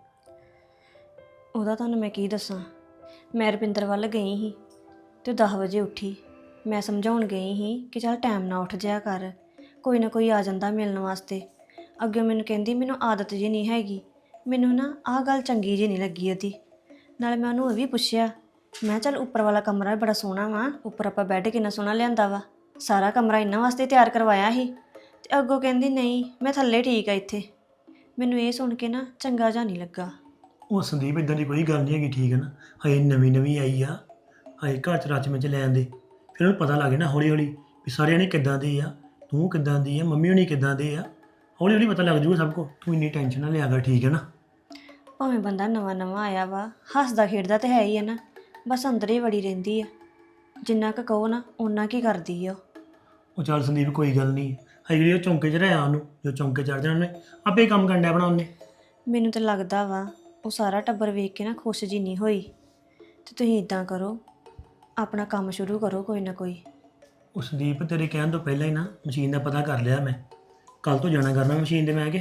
ਉਹਦਾ ਤੁਹਾਨੂੰ ਮੈਂ ਕੀ ਦੱਸਾਂ, ਮੈਂ ਰੁਪਿੰਦਰ ਵੱਲ ਗਈ ਸੀ ਤੇ ਦਸ ਵਜੇ ਉੱਠੀ। ਮੈਂ ਸਮਝਾਉਣ ਗਈ ਸੀ ਕਿ ਚੱਲ ਟਾਈਮ ਨਾਲ ਉੱਠ ਜਾਇਆ ਕਰ, ਕੋਈ ਨਾ ਕੋਈ ਆ ਜਾਂਦਾ ਮਿਲਣ ਵਾਸਤੇ। ਅੱਗੇ ਮੈਨੂੰ ਕਹਿੰਦੀ ਮੈਨੂੰ ਆਦਤ ਜੀ ਨਹੀਂ ਹੈਗੀ। ਮੈਨੂੰ ਨਾ ਆਹ ਗੱਲ ਚੰਗੀ ਜੀ ਨਹੀਂ ਲੱਗੀ ਉਹਦੀ। ਨਾਲੇ ਮੈਂ ਉਹਨੂੰ ਇਹ ਵੀ ਪੁੱਛਿਆ, ਮੈਂ ਚੱਲ ਉੱਪਰ ਵਾਲਾ ਕਮਰਾ ਬੜਾ ਸੋਹਣਾ ਵਾ, ਉੱਪਰ ਆਪਾਂ ਬੈੱਡ ਕਿੰਨਾ ਸੋਹਣਾ ਲਿਆਂਦਾ ਵਾ, ਸਾਰਾ ਕਮਰਾ ਇਹਨਾਂ ਵਾਸਤੇ ਤਿਆਰ ਕਰਵਾਇਆ ਸੀ। ਤੇ ਅੱਗੋਂ ਕਹਿੰਦੀ ਨਹੀਂ ਮੈਂ ਥੱਲੇ ਠੀਕ ਆ ਇੱਥੇ। ਮੈਨੂੰ ਇਹ ਸੁਣ ਕੇ ਨਾ ਚੰਗਾ ਜਿਹਾ ਨਹੀਂ ਲੱਗਾ। ਉਹ ਸੰਦੀਪ ਇਦਾਂ ਦੀ ਕੋਈ ਗੱਲ ਨਹੀਂ ਹੈਗੀ, ਠੀਕ ਹੈ ਨਾ? ਹਜੇ ਨਵੀਂ ਨਵੀਂ ਆਈ ਆ, ਹਜੇ ਘਰ 'ਚ ਰਚ ਵਿੱਚ ਲੈਣ ਦੇ, ਫਿਰ ਉਹਨੂੰ ਪਤਾ ਲੱਗੇ ਨਾ ਹੌਲੀ ਹੌਲੀ ਵੀ ਸਾਰਿਆਂ ਨੇ ਕਿੱਦਾਂ ਦੇ ਆ, ਤੂੰ ਕਿੱਦਾਂ ਦੀ ਆ, ਮੰਮੀ ਹੋਣੀ ਕਿੱਦਾਂ ਦੇ ਆ, ਹੌਲੀ ਹੌਲੀ ਪਤਾ ਲੱਗ ਜੂਗਾ ਸਭ ਕੁਝ। ਤੂੰ ਇੰਨੀ ਟੈਨਸ਼ਨ ਨਾ ਲਿਆ ਕਰ, ਠੀਕ ਹੈ ਨਾ? ਭਾਵੇਂ ਬੰਦਾ ਨਵਾਂ ਨਵਾਂ ਆਇਆ ਵਾ, ਹੱਸਦਾ ਖੇਡਦਾ ਤੇ ਹੈ ਹੀ ਹੈ ਨਾ, ਬਸ ਅੰਦਰ ਹੀ ਵੜੀ ਰਹਿੰਦੀ ਆ। ਜਿੰਨਾ ਕੁ ਕਹੋ ਨਾ ਓਨਾ ਕੀ ਕਰਦੀ ਆ ਉਹ। ਉਹ ਚੱਲ ਸੰਦੀਪ ਕੋਈ ਗੱਲ ਨਹੀਂ, ਹਜੇ ਜਿਹੜੀ ਉਹ ਚੌਂਕੇ 'ਚ ਰਹਿਆ ਉਹਨੂੰ, ਜੋ ਚੌਂਕੇ ਚੜ੍ਹ ਜਾਣਾ ਉਹਨੇ ਆਪੇ ਕੰਮ ਕਰਨ ਡਿਆ ਆਪਣਾ ਉਹਨੇ। ਮੈਨੂੰ ਤਾਂ ਲੱਗਦਾ ਵਾ ਉਹ ਸਾਰਾ ਟੱਬਰ ਵੇਖ ਕੇ ਨਾ ਖੁਸ਼ ਜੀ ਨਹੀਂ ਹੋਈ। ਤੇ ਤੁਸੀਂ ਇਦਾਂ ਕਰੋ, ਆਪਣਾ ਕੰਮ ਸ਼ੁਰੂ ਕਰੋ ਕੋਈ ਨਾ ਕੋਈ। ਉਹ ਸੰਦੀਪ ਤੇਰੇ ਕਹਿਣ ਤੋਂ ਪਹਿਲਾਂ ਹੀ ਨਾ ਮਸ਼ੀਨ ਦਾ ਪਤਾ ਕਰ ਲਿਆ ਮੈਂ, ਕੱਲ ਤੋਂ ਜਾਣਾ ਕਰਨਾ ਮਸ਼ੀਨ ਤੇ ਮੈਂ ਕਿ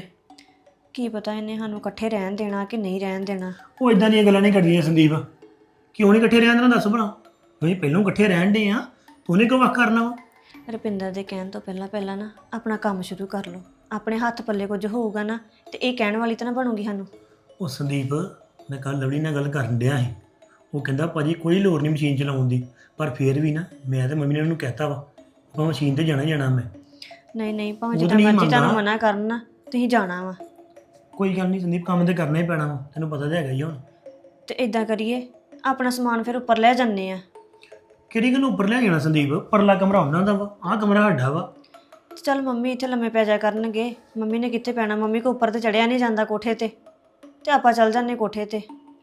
ਕੀ ਪਤਾ ਇਹਨੇ ਸਾਨੂੰ ਇਕੱਠੇ ਰਹਿਣ ਦੇਣਾ ਕਿ ਨਹੀਂ ਰਹਿਣ ਦੇਣਾ। ਉਹ ਇਦਾਂ ਦੀਆਂ ਗੱਲਾਂ ਨਹੀਂ ਕਰਦੀਆਂ ਸੰਦੀਪ, ਕਿਉਂ ਨਹੀਂ ਇਕੱਠੇ ਰਹਿਣ ਦੇਣਾ ਦੱਸ ਭਲਾ? ਤੁਸੀਂ ਪਹਿਲਾਂ ਇਕੱਠੇ ਰਹਿਣ ਦੇ ਆ, ਤੂੰ ਨੇ ਕਿਉਂ ਵੱਖ ਕਰਨਾ ਵਾ? ਰੁਪਿੰਦਰ ਦੇ ਕਹਿਣ ਤੋਂ ਪਹਿਲਾਂ ਪਹਿਲਾਂ ਨਾ ਆਪਣਾ ਕੰਮ ਸ਼ੁਰੂ ਕਰ ਲਓ। ਆਪਣੇ ਹੱਥ ਪੱਲੇ ਕੁਝ ਹੋਊਗਾ ਨਾ ਤੇ ਇਹ ਕਹਿਣ ਵਾਲੀ ਤਾਂ ਨਾ ਬਣੂਗੀ ਸਾਨੂੰ। ਉਹ ਸੰਦੀਪ ਮੈਂ ਕੱਲ ਲਵਲੀ ਨਾਲ ਗੱਲ ਕਰਨ ਡਿਆ ਸੀ, ਉਹ ਕਹਿੰਦਾ ਭਾਜੀ ਕੋਈ ਲੋੜ ਨਹੀਂ ਮਸ਼ੀਨ ਚਲਾਉਣ ਦੀ, ਪਰ ਫਿਰ ਵੀ ਨਾ ਮੈਂ ਤੇ ਮੰਮੀ ਨੇ ਉਹਨੂੰ ਕਹਿਤਾ ਵਾ ਆਪਾਂ ਮਸ਼ੀਨ ਤੇ ਜਾਣਾ ਜਾਣਾ। ਮੈਂ ਨਹੀਂ ਨਹੀਂ ਭਾਵੇਂ ਉਹ ਤਾਂ ਜਿੱਦਾਂ ਨਹੀਂ ਮਰਜ਼ੀ ਤੁਹਾਨੂੰ ਮੰਨਦਾ। ਮਨਾ ਕਰਨ ਨਾ, ਤੁਸੀਂ ਜਾਣਾ ਵਾ। ਕੋਈ ਗੱਲ ਨਹੀਂ ਸੰਦੀਪ, ਕੰਮ ਤੇ ਕਰਨਾ ਹੀ ਪੈਣਾ ਵਾ, ਤੈਨੂੰ ਪਤਾ ਤਾਂ ਹੈਗਾ ਹੀ ਹੁਣ। ਤੇ ਇਦਾਂ ਕਰੀਏ ਆਪਣਾ ਸਮਾਨ ਫਿਰ ਉੱਪਰ ਲੈ ਜਾਂਦੇ ਆ। ਕਿਹੜੀ ਗੱਲ ਉੱਪਰ ਲੈ ਜਾਣਾ ਸੰਦੀਪ? ਪਰਲਾ ਕਮਰਾ ਉਹਨਾਂ ਦਾ ਵਾ, ਆਹ ਕਮਰਾ ਸਾਡਾ ਵਾ। ਤੇ ਚੱਲ ਮੰਮੀ ਇੱਥੇ ਲੰਮੇ ਪੈ ਜਾ ਕਰਨਗੇ, ਮੰਮੀ ਨੇ ਕਿੱਥੇ ਪੈਣਾ, ਮੰਮੀ ਕੋ ਉੱਪਰ ਤੇ ਚੜਿਆ ਨਹੀਂ ਜਾਂਦਾ ਕੋਠੇ ਤੇ, ਤੇ ਆਪਾਂ ਚੱਲ ਜਾਂਦੇ ਕੋਠੇ ਤੇ।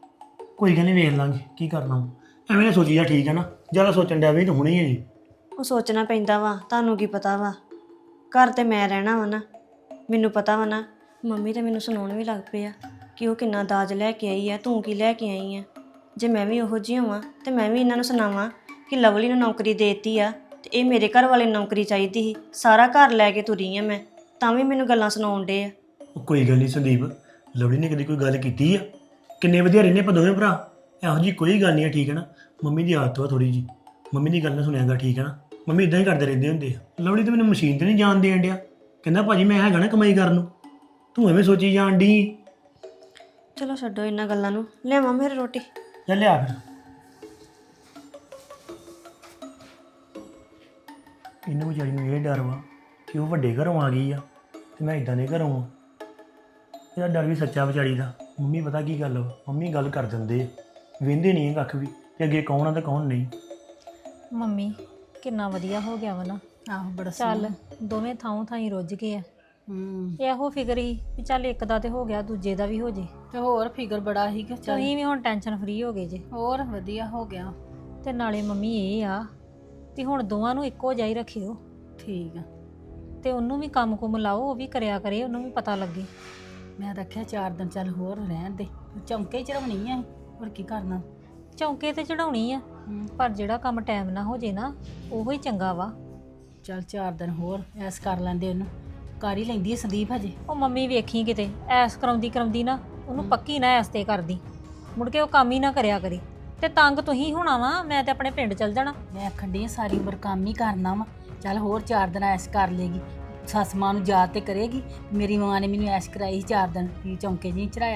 ਕੋਈ ਗੱਲ ਨਹੀਂ, ਵੇਖ ਲਾਂਗੇ ਕੀ ਕਰਨਾ ਵਾ। ਐਵੇਂ ਨਾ ਸੋਚੀ ਜਾ, ਠੀਕ ਹੈ ਨਾ? ਜ਼ਿਆਦਾ ਸੋਚਣ ਡਿਆ ਵੀ ਤਾਂ ਹੁਣੇ ਹੀ ਹੈ ਜੀ। ਉਹ ਸੋਚਣਾ ਪੈਂਦਾ ਵਾ, ਤੁਹਾਨੂੰ ਕੀ ਪਤਾ ਵਾ, ਘਰ ਤੇ ਮੈਂ ਰਹਿਣਾ ਵਾ ਨਾ, ਮੈਨੂੰ ਪਤਾ ਵਾ ਨਾ। ਮੰਮੀ ਤਾਂ ਮੈਨੂੰ ਸੁਣਾਉਣ ਵੀ ਲੱਗ ਪਏ ਆ ਕਿ ਉਹ ਕਿੰਨਾ ਦਾਜ ਲੈ ਕੇ ਆਈ ਆ, ਤੂੰ ਕੀ ਲੈ ਕੇ ਆਈ ਆ। ਜੇ ਮੈਂ ਵੀ ਉਹੋ ਜਿਹੀ ਹੋਵਾਂ ਤੇ ਮੈਂ ਵੀ ਇਹਨਾਂ ਨੂੰ ਸੁਣਾਵਾਂ ਕਿ ਲਵਲੀ ਨੂੰ ਨੌਕਰੀ ਦੇਤੀ ਆ ਤੇ ਇਹ ਮੇਰੇ ਘਰ ਵਾਲੇ ਨੂੰ ਨੌਕਰੀ ਚਾਹੀਦੀ ਸੀ, ਸਾਰਾ ਘਰ ਲੈ ਕੇ ਤੁਰੀ ਆ ਮੈਂ, ਤਾਂ ਵੀ ਮੈਨੂੰ ਗੱਲਾਂ ਸੁਣਾਉਣ ਡੇ ਆ। ਉਹ ਕੋਈ ਗੱਲ ਨਹੀਂ ਸੰਦੀਪ, ਲਵਲੀ ਨੇ ਕਦੀ ਕੋਈ ਗੱਲ ਕੀਤੀ ਆ ਕਿੰਨੇ ਵਧੀਆ ਰਹਿੰਦੇ ਆਪਾਂ ਦੋਵੇਂ ਭਰਾ। ਇਹੋ ਜੀ ਕੋਈ ਗੱਲ ਨਹੀਂ ਹੈ, ਠੀਕ ਹੈ ਨਾ। ਮੰਮੀ ਦੀ ਆਦਤ ਵਾ ਥੋੜੀ ਜੀ, ਮੰਮੀ ਦੀ ਗੱਲ ਨਾ ਸੁਣਿਆਗਾ, ਠੀਕ ਹੈ ਨਾ। ਮੰਮੀ ਇਦਾਂ ਹੀ ਕਰਦੇ ਰਹਿੰਦੇ ਹੁੰਦੇ ਆ। ਲਵਲੀ ਤਾਂ ਮੈਨੂੰ ਮਸ਼ੀਨ ਤੇ ਨਹੀਂ ਜਾਣ ਦੇਣ ਡਿਆ, ਕਹਿੰਦਾ ਭਾਜੀ ਮੈਂ ਹੈਗਾ ਨਾ ਕਮਾਈ ਕਰਨ ਨੂੰ, ਤੂੰ ਐਵੇਂ ਸੋਚੀ ਜਾਣ ਦੀ। ਚਲੋ ਛੱਡੋ ਇਹਨਾਂ ਗੱਲਾਂ ਨੂੰ, ਲਿਆਵਾਂ ਫਿਰ ਰੋਟੀ। ਚੱਲ ਲਿਆ ਫਿਰ। ਇਹਨੂੰ ਵਿਚਾਰੀ ਨੂੰ ਇਹ ਡਰ ਵਾ ਕਿ ਉਹ ਵੱਡੇ ਘਰੋਂ ਆ ਗਈ ਆ ਤੇ ਮੈਂ ਇਦਾਂ ਦੇ ਘਰੋਂ ਆ। ਇਹਦਾ ਡਰ ਵੀ ਸੱਚਾ ਵਿਚਾਰੀ ਦਾ। ਮੰਮੀ ਪਤਾ ਕੀ ਗੱਲ ਵਾ, ਮੰਮੀ ਗੱਲ ਕਰ ਦਿੰਦੇ ਆ, ਵਹਿੰਦੇ ਨਹੀਂ ਕੱਖ ਵੀ ਕਿ ਅੱਗੇ ਕੌਣ ਆ ਤੇ ਕੌਣ ਨਹੀਂ। ਮੰਮੀ ਕਿੰਨਾ ਵਧੀਆ ਹੋ ਗਿਆ ਵਾ ਨਾ। ਆਹੋ ਬੜਾ ਚੱਲ ਦੋਵੇਂ ਥਾਂ ਥਾਂ ਹੀ ਰੁੱਝ ਗਏ ਆ। ਹੂੰ ਇਹੋ ਫਿਕਰ ਹੀ ਵੀ ਚੱਲ ਇੱਕ ਦਾ ਤੇ ਹੋ ਗਿਆ, ਦੂਜੇ ਦਾ ਵੀ ਹੋ ਜੇ। ਤੇ ਹੋਰ ਫਿਕਰ ਬੜਾ ਸੀ ਕਿ ਚੱਲ ਤੁਸੀਂ ਵੀ ਹੁਣ ਟੈਨਸ਼ਨ ਫਰੀ ਹੋ ਗਏ ਜੇ। ਹੋਰ ਵਧੀਆ ਹੋ ਗਿਆ। ਤੇ ਨਾਲੇ ਮੰਮੀ ਇਹ ਆ ਵੀ ਹੁਣ ਦੋਵਾਂ ਨੂੰ ਇੱਕੋ ਜਿਹਾ ਹੀ ਰੱਖਿਓ, ਠੀਕ ਆ। ਤੇ ਉਹਨੂੰ ਵੀ ਕੰਮ ਕੁਮ ਲਾਓ, ਉਹ ਵੀ ਕਰਿਆ ਕਰੇ, ਉਹਨੂੰ ਵੀ ਪਤਾ ਲੱਗੇ। ਮੈਂ ਰੱਖਿਆ ਚਾਰ ਦਿਨ ਚੱਲ ਹੋਰ ਰਹਿਣ ਦੇ, ਚੌਂਕੇ ਹੀ ਚੜਾਉਣੀ ਆ ਹੋਰ ਕੀ ਕਰਨਾ। ਚੌਂਕੇ ਤੇ ਚੜਾਉਣੀ ਆ, ਹੂੰ ਪਰ ਜਿਹੜਾ ਕੰਮ ਟਾਈਮ ਨਾ ਹੋ ਜੇ ਨਾ ਉਹੋ ਹੀ ਚੰਗਾ ਵਾ। ਚੱਲ ਚਾਰ ਦਿਨ ਹੋਰ ਐਸ ਕਰ ਲੈਂਦੇ ਉਹਨੂੰ, ਕਰ ਹੀ ਲੈਂਦੀ ਹੈ ਸੰਦੀਪ ਹਜੇ। ਉਹ ਮੰਮੀ ਵੇਖੀ ਕਿਤੇ ਐਸ ਕਰਾਉਂਦੀ ਕਰਾਉਂਦੀ ਨਾ ਉਹਨੂੰ ਪੱਕੀ ਨਾ ਐਸ ਤੇ ਕਰਦੀ, ਮੁੜ ਕੇ ਉਹ ਕੰਮ ਹੀ ਨਾ ਕਰਿਆ ਕਰੇ। ਤੇ ਤੰਗ ਤੁਸੀਂ ਹੋਣਾ ਵਾ, ਮੈਂ ਤੇ ਆਪਣੇ ਪਿੰਡ ਚਲ ਜਾਣਾ। ਮੈਂ ਆਖਣ ਡਈ ਸਾਰੀ ਉਮਰ ਕੰਮ ਹੀ ਕਰਨਾ ਵਾ, ਚੱਲ ਹੋਰ ਚਾਰ ਦਿਨ ਐਸ ਕਰ ਲੇਗੀ। ਸੱਸ ਮਾਂ ਨੂੰ ਯਾਦ ਤੇ ਕਰੇਗੀ, ਮੇਰੀ ਮਾਂ ਨੇ ਮੈਨੂੰ ਐਸ਼ ਕਰਾਈ ਸੀ ਚਾਰ ਦਿਨ, ਵੀ ਚੌਂਕੇ ਜੀ ਚੜਾਇਆ।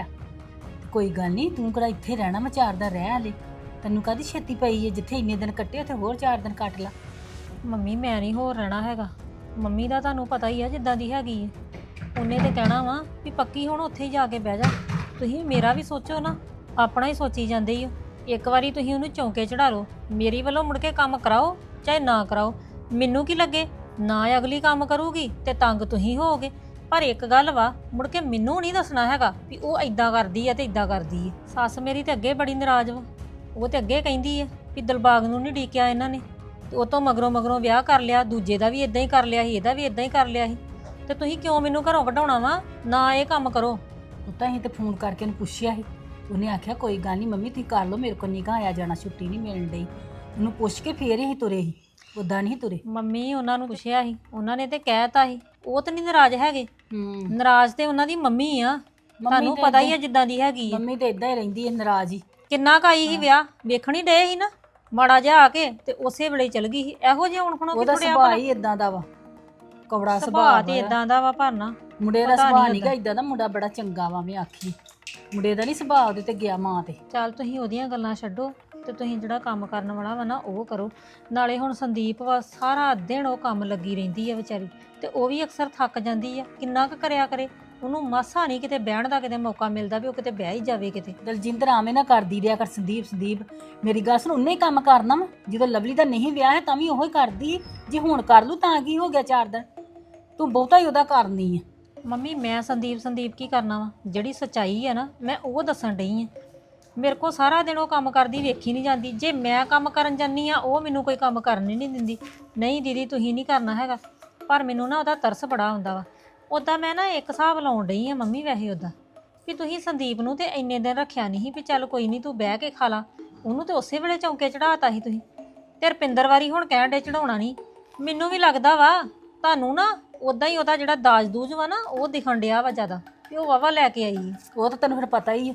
ਕੋਈ ਗੱਲ ਨਹੀਂ, ਤੂੰ ਕਿਹੜਾ ਇੱਥੇ ਰਹਿਣਾ, ਮੈਂ ਚਾਰ ਦਿਨ ਰਹਿ ਹਲੇ। ਤੈਨੂੰ ਕਾਹਦੀ ਛੇਤੀ ਪਈ ਹੈ, ਜਿੱਥੇ ਇੰਨੇ ਦਿਨ ਕੱਟੇ ਉੱਥੇ ਹੋਰ ਚਾਰ ਦਿਨ ਕੱਟ ਲਾ। ਮੰਮੀ ਮੈਂ ਨਹੀਂ ਹੋਰ ਰਹਿਣਾ ਹੈਗਾ। ਮੰਮੀ ਦਾ ਤੁਹਾਨੂੰ ਪਤਾ ਹੀ ਆ ਜਿੱਦਾਂ ਦੀ ਹੈਗੀ ਹੈ, ਉਹਨੇ ਤੇ ਕਹਿਣਾ ਵਾ ਵੀ ਪੱਕੀ ਹੁਣ ਉੱਥੇ ਹੀ ਜਾ ਕੇ ਬਹਿ ਜਾ। ਤੁਸੀਂ ਮੇਰਾ ਵੀ ਸੋਚੋ ਨਾ, ਆਪਣਾ ਹੀ ਸੋਚੀ ਜਾਂਦੇ ਹੀ ਹੋ। ਇੱਕ ਵਾਰੀ ਤੁਸੀਂ ਉਹਨੂੰ ਚੌਂਕੇ ਚੜਾ ਲਓ, ਮੇਰੀ ਵੱਲੋਂ ਮੁੜ ਕੇ ਕੰਮ ਕਰਾਓ ਚਾਹੇ ਨਾ ਕਰਾਓ, ਮੈਨੂੰ ਕੀ ਲੱਗੇ। ਨਾ ਅਗਲੀ ਕੰਮ ਕਰੂਗੀ ਤੇ ਤੰਗ ਤੁਸੀਂ ਹੋਵੋਗੇ। ਪਰ ਇੱਕ ਗੱਲ ਵਾ, ਮੁੜ ਕੇ ਮੈਨੂੰ ਨਹੀਂ ਦੱਸਣਾ ਹੈਗਾ ਵੀ ਉਹ ਇਦਾਂ ਕਰਦੀ ਆ ਤੇ ਇਦਾਂ ਕਰਦੀ ਹੈ। ਸੱਸ ਮੇਰੀ ਤੇ ਅੱਗੇ ਬੜੀ ਨਾਰਾਜ਼ ਵਾ, ਉਹ ਤੇ ਅੱਗੇ ਕਹਿੰਦੀ ਹੈ ਵੀ ਦਿਲਬਾਗ ਨੂੰ ਨਹੀਂ ਡੀਕਿਆ ਇਹਨਾਂ ਨੇ, ਤੇ ਉਹ ਤੋਂ ਮਗਰੋਂ ਮਗਰੋਂ ਵਿਆਹ ਕਰ ਲਿਆ, ਦੂਜੇ ਦਾ ਵੀ ਇਦਾਂ ਹੀ ਕਰ ਲਿਆ ਸੀ, ਇਹਦਾ ਵੀ ਇਦਾਂ ਹੀ ਕਰ ਲਿਆ ਸੀ। ਤੇ ਤੁਸੀਂ ਕਿਉਂ ਮੈਨੂੰ ਘਰੋਂ ਵਢਾਉਣਾ ਵਾ? ਨਾ ਇਹ ਕੰਮ ਕਰੋ। ਉਹ ਤਾਂ ਅਸੀਂ ਤੇ ਫੋਨ ਕਰਕੇ ਉਹਨੂੰ ਪੁੱਛਿਆ ਸੀ, ਉਹਨੇ ਆਖਿਆ ਕੋਈ ਗੱਲ ਨਹੀਂ ਮੰਮੀ ਤੁਸੀਂ ਕਰ ਲਓ, ਮੇਰੇ ਕੋਲ ਨਿਗਾ ਆਇਆ ਜਾਣਾ, ਛੁੱਟੀ ਨਹੀਂ ਮਿਲਣ ਡਈ। ਉਹਨੂੰ ਪੁੱਛ ਕੇ ਫੇਰ ਹੀ ਤੁਰੇ ਸੀ, ਉਦਾਂ ਨਹੀਂ ਤੁਰੇ। ਮੰਮੀ ਉਹਨਾਂ ਨੂੰ ਪੁੱਛਿਆ ਸੀ, ਉਹਨਾਂ ਨੇ ਤੇ ਕਹਿਤਾ ਸੀ, ਉਹ ਤਾਂ ਨਹੀਂ ਨਾਰਾਜ਼ ਹੈਗੇ। ਹੂੰ ਨਾਰਾਜ਼ ਤੇ ਉਹਨਾਂ ਦੀ ਮੰਮੀ ਆ, ਤੁਹਾਨੂੰ ਤੇ ਪਤਾ ਹੀ ਆ ਏਦਾਂ- ਜਿੱਦਾਂ ਦੀ ਹੈਗੀ ਆ। ਮੰਮੀ ਤੇ ਇਦਾਂ ਹੀ ਰਹਿੰਦੀ ਹੈ ਨਾਰਾਜ਼ ਹੀ। ਕਿੰਨਾ ਕਾਈ ਸੀ ਵਿਆਹ, ਵੇਖਣੀ ਡੇ ਸੀ ਨਾ, ਮਾੜਾ ਜਿਹਾ ਆ ਕੇ ਤੇ ਉਸੇ ਵੇਲੇ ਚਲ ਗਈ ਸੀ। ਇਹੋ ਜਿਹਾ ਹੁਣ ਹੁਣ ਉਹਦਾ ਸੁਭਾਅ ਹੀ ਇਦਾਂ ਦਾ ਵਾ, ਕਵੜਾ ਸੁਭਾਅ ਸੁਭਾਅ ਤੇ ਇਦਾਂ ਦਾ ਵਾ। ਭਰਨਾ ਮੁੰਡੇ ਦਾ ਪਤਾ ਨੀ ਸੁਭਾਅ ਉਹਦਾ। ਨਹੀਂਗਾ ਇਦਾਂ ਦਾ, ਮੁੰਡਾ ਬੜਾ ਚੰਗਾ ਵਾ। ਮੈਂ ਆਖੀ ਮੁੰਡੇ ਦਾ ਨਹੀਂ ਸੁਭਾਅ ਉਹਦੇ ਤੇ ਗਿਆ ਮਾਂ ਤੇ। ਚੱਲ ਤੁਸੀਂ ਉਹਦੀਆਂ ਗੱਲਾਂ ਛੱਡੋ ਤੇ ਤੁਸੀਂ ਜਿਹੜਾ ਕੰਮ ਕਰਨ ਵਾਲਾ ਵਾ ਨਾ ਉਹ ਕਰੋ। ਨਾਲੇ ਹੁਣ ਸੰਦੀਪ ਵਾ, ਸਾਰਾ ਦਿਨ ਉਹ ਕੰਮ ਲੱਗੀ ਰਹਿੰਦੀ ਆ ਵਿਚਾਰੀ, ਤੇ ਉਹ ਵੀ ਅਕਸਰ ਥੱਕ ਜਾਂਦੀ ਆ। ਕਿੰਨਾ ਕੁ ਕਰਿਆ ਕਰੇ, ਉਹਨੂੰ ਮਾਸਾ ਨਹੀਂ ਕਿਤੇ ਬਹਿਣ ਦਾ ਕਿਤੇ ਮੌਕਾ ਮਿਲਦਾ ਵੀ ਉਹ ਕਿਤੇ ਬਹਿ ਹੀ ਜਾਵੇ ਕਿਤੇ। ਦਲਜਿੰਦਰ ਆਵੇਂ ਨਾ ਕਰਦੀ ਰਿਹਾ ਕਰ ਸੰਦੀਪ। ਸੰਦੀਪ ਮੇਰੀ ਗੱਲ ਸੁਣ, ਉਹਨੇ ਹੀ ਕੰਮ ਕਰਨਾ ਵਾ। ਜਦੋਂ ਲਵਲੀ ਦਾ ਨਹੀਂ ਵਿਆਹ ਹੈ ਤਾਂ ਵੀ ਉਹੀ ਕਰਦੀ। ਜੇ ਹੁਣ ਕਰ ਲੂ ਤਾਂ ਕੀ ਹੋ ਗਿਆ, ਚਾਰ ਦਿਨ ਤੂੰ ਬਹੁਤਾ ਹੀ ਉਹਦਾ ਕਰਨੀ ਆ। ਮੰਮੀ ਮੈਂ ਸੰਦੀਪ ਸੰਦੀਪ ਕੀ ਕਰਨਾ ਵਾ, ਜਿਹੜੀ ਸੱਚਾਈ ਆ ਨਾ ਮੈਂ ਉਹ ਦੱਸਣ ਡਈ ਆ। ਮੇਰੇ ਕੋ ਸਾਰਾ ਦਿਨ ਉਹ ਕੰਮ ਕਰਦੀ ਵੇਖੀ ਨਹੀਂ ਜਾਂਦੀ। ਜੇ ਮੈਂ ਕੰਮ ਕਰਨ ਜਾਂਦੀ ਆ ਉਹ ਮੈਨੂੰ ਕੋਈ ਕੰਮ ਕਰਨ ਹੀ ਨਹੀਂ ਦਿੰਦੀ। ਨਹੀਂ ਦੀਦੀ ਤੁਸੀਂ ਨਹੀਂ ਕਰਨਾ ਹੈਗਾ, ਪਰ ਮੈਨੂੰ ਨਾ ਉਹਦਾ ਤਰਸ ਬੜਾ ਆਉਂਦਾ ਵਾ। ਉੱਦਾਂ ਮੈਂ ਨਾ ਇੱਕ ਹਿਸਾਬ ਲਾਉਣ ਡਈ ਆ ਮੰਮੀ, ਵੈਸੇ ਉੱਦਾਂ ਵੀ ਤੁਸੀਂ ਸੰਦੀਪ ਨੂੰ ਤੇ ਇੰਨੇ ਦਿਨ ਰੱਖਿਆ ਨਹੀਂ ਸੀ ਵੀ ਚੱਲ ਕੋਈ ਨਹੀਂ ਤੂੰ ਬਹਿ ਕੇ ਖਾ ਲਾ, ਉਹਨੂੰ ਤੇ ਉਸੇ ਵੇਲੇ ਚੌਂਕੇ ਚੜਾਤਾ ਸੀ ਤੁਸੀਂ। ਤੇ ਰੁਪਿੰਦਰ ਵਾਰੀ ਹੁਣ ਕਹਿਣ ਡੇ ਚੜਾਉਣਾ ਨਹੀਂ। ਮੈਨੂੰ ਵੀ ਲੱਗਦਾ ਵਾ ਤੁਹਾਨੂੰ ਨਾ ਉੱਦਾਂ ਹੀ ਉਹਦਾ ਜਿਹੜਾ ਦਾਜ ਦੂਜ ਵਾ ਨਾ ਉਹ ਦਿਖਣ ਡਿਆ ਵਾ ਜ਼ਿਆਦਾ, ਤੇ ਉਹ ਵਾਵਾ ਲੈ ਕੇ ਆਈ ਹੈ। ਉਹ ਤਾਂ ਤੈਨੂੰ ਫਿਰ ਪਤਾ ਹੀ ਹੈ,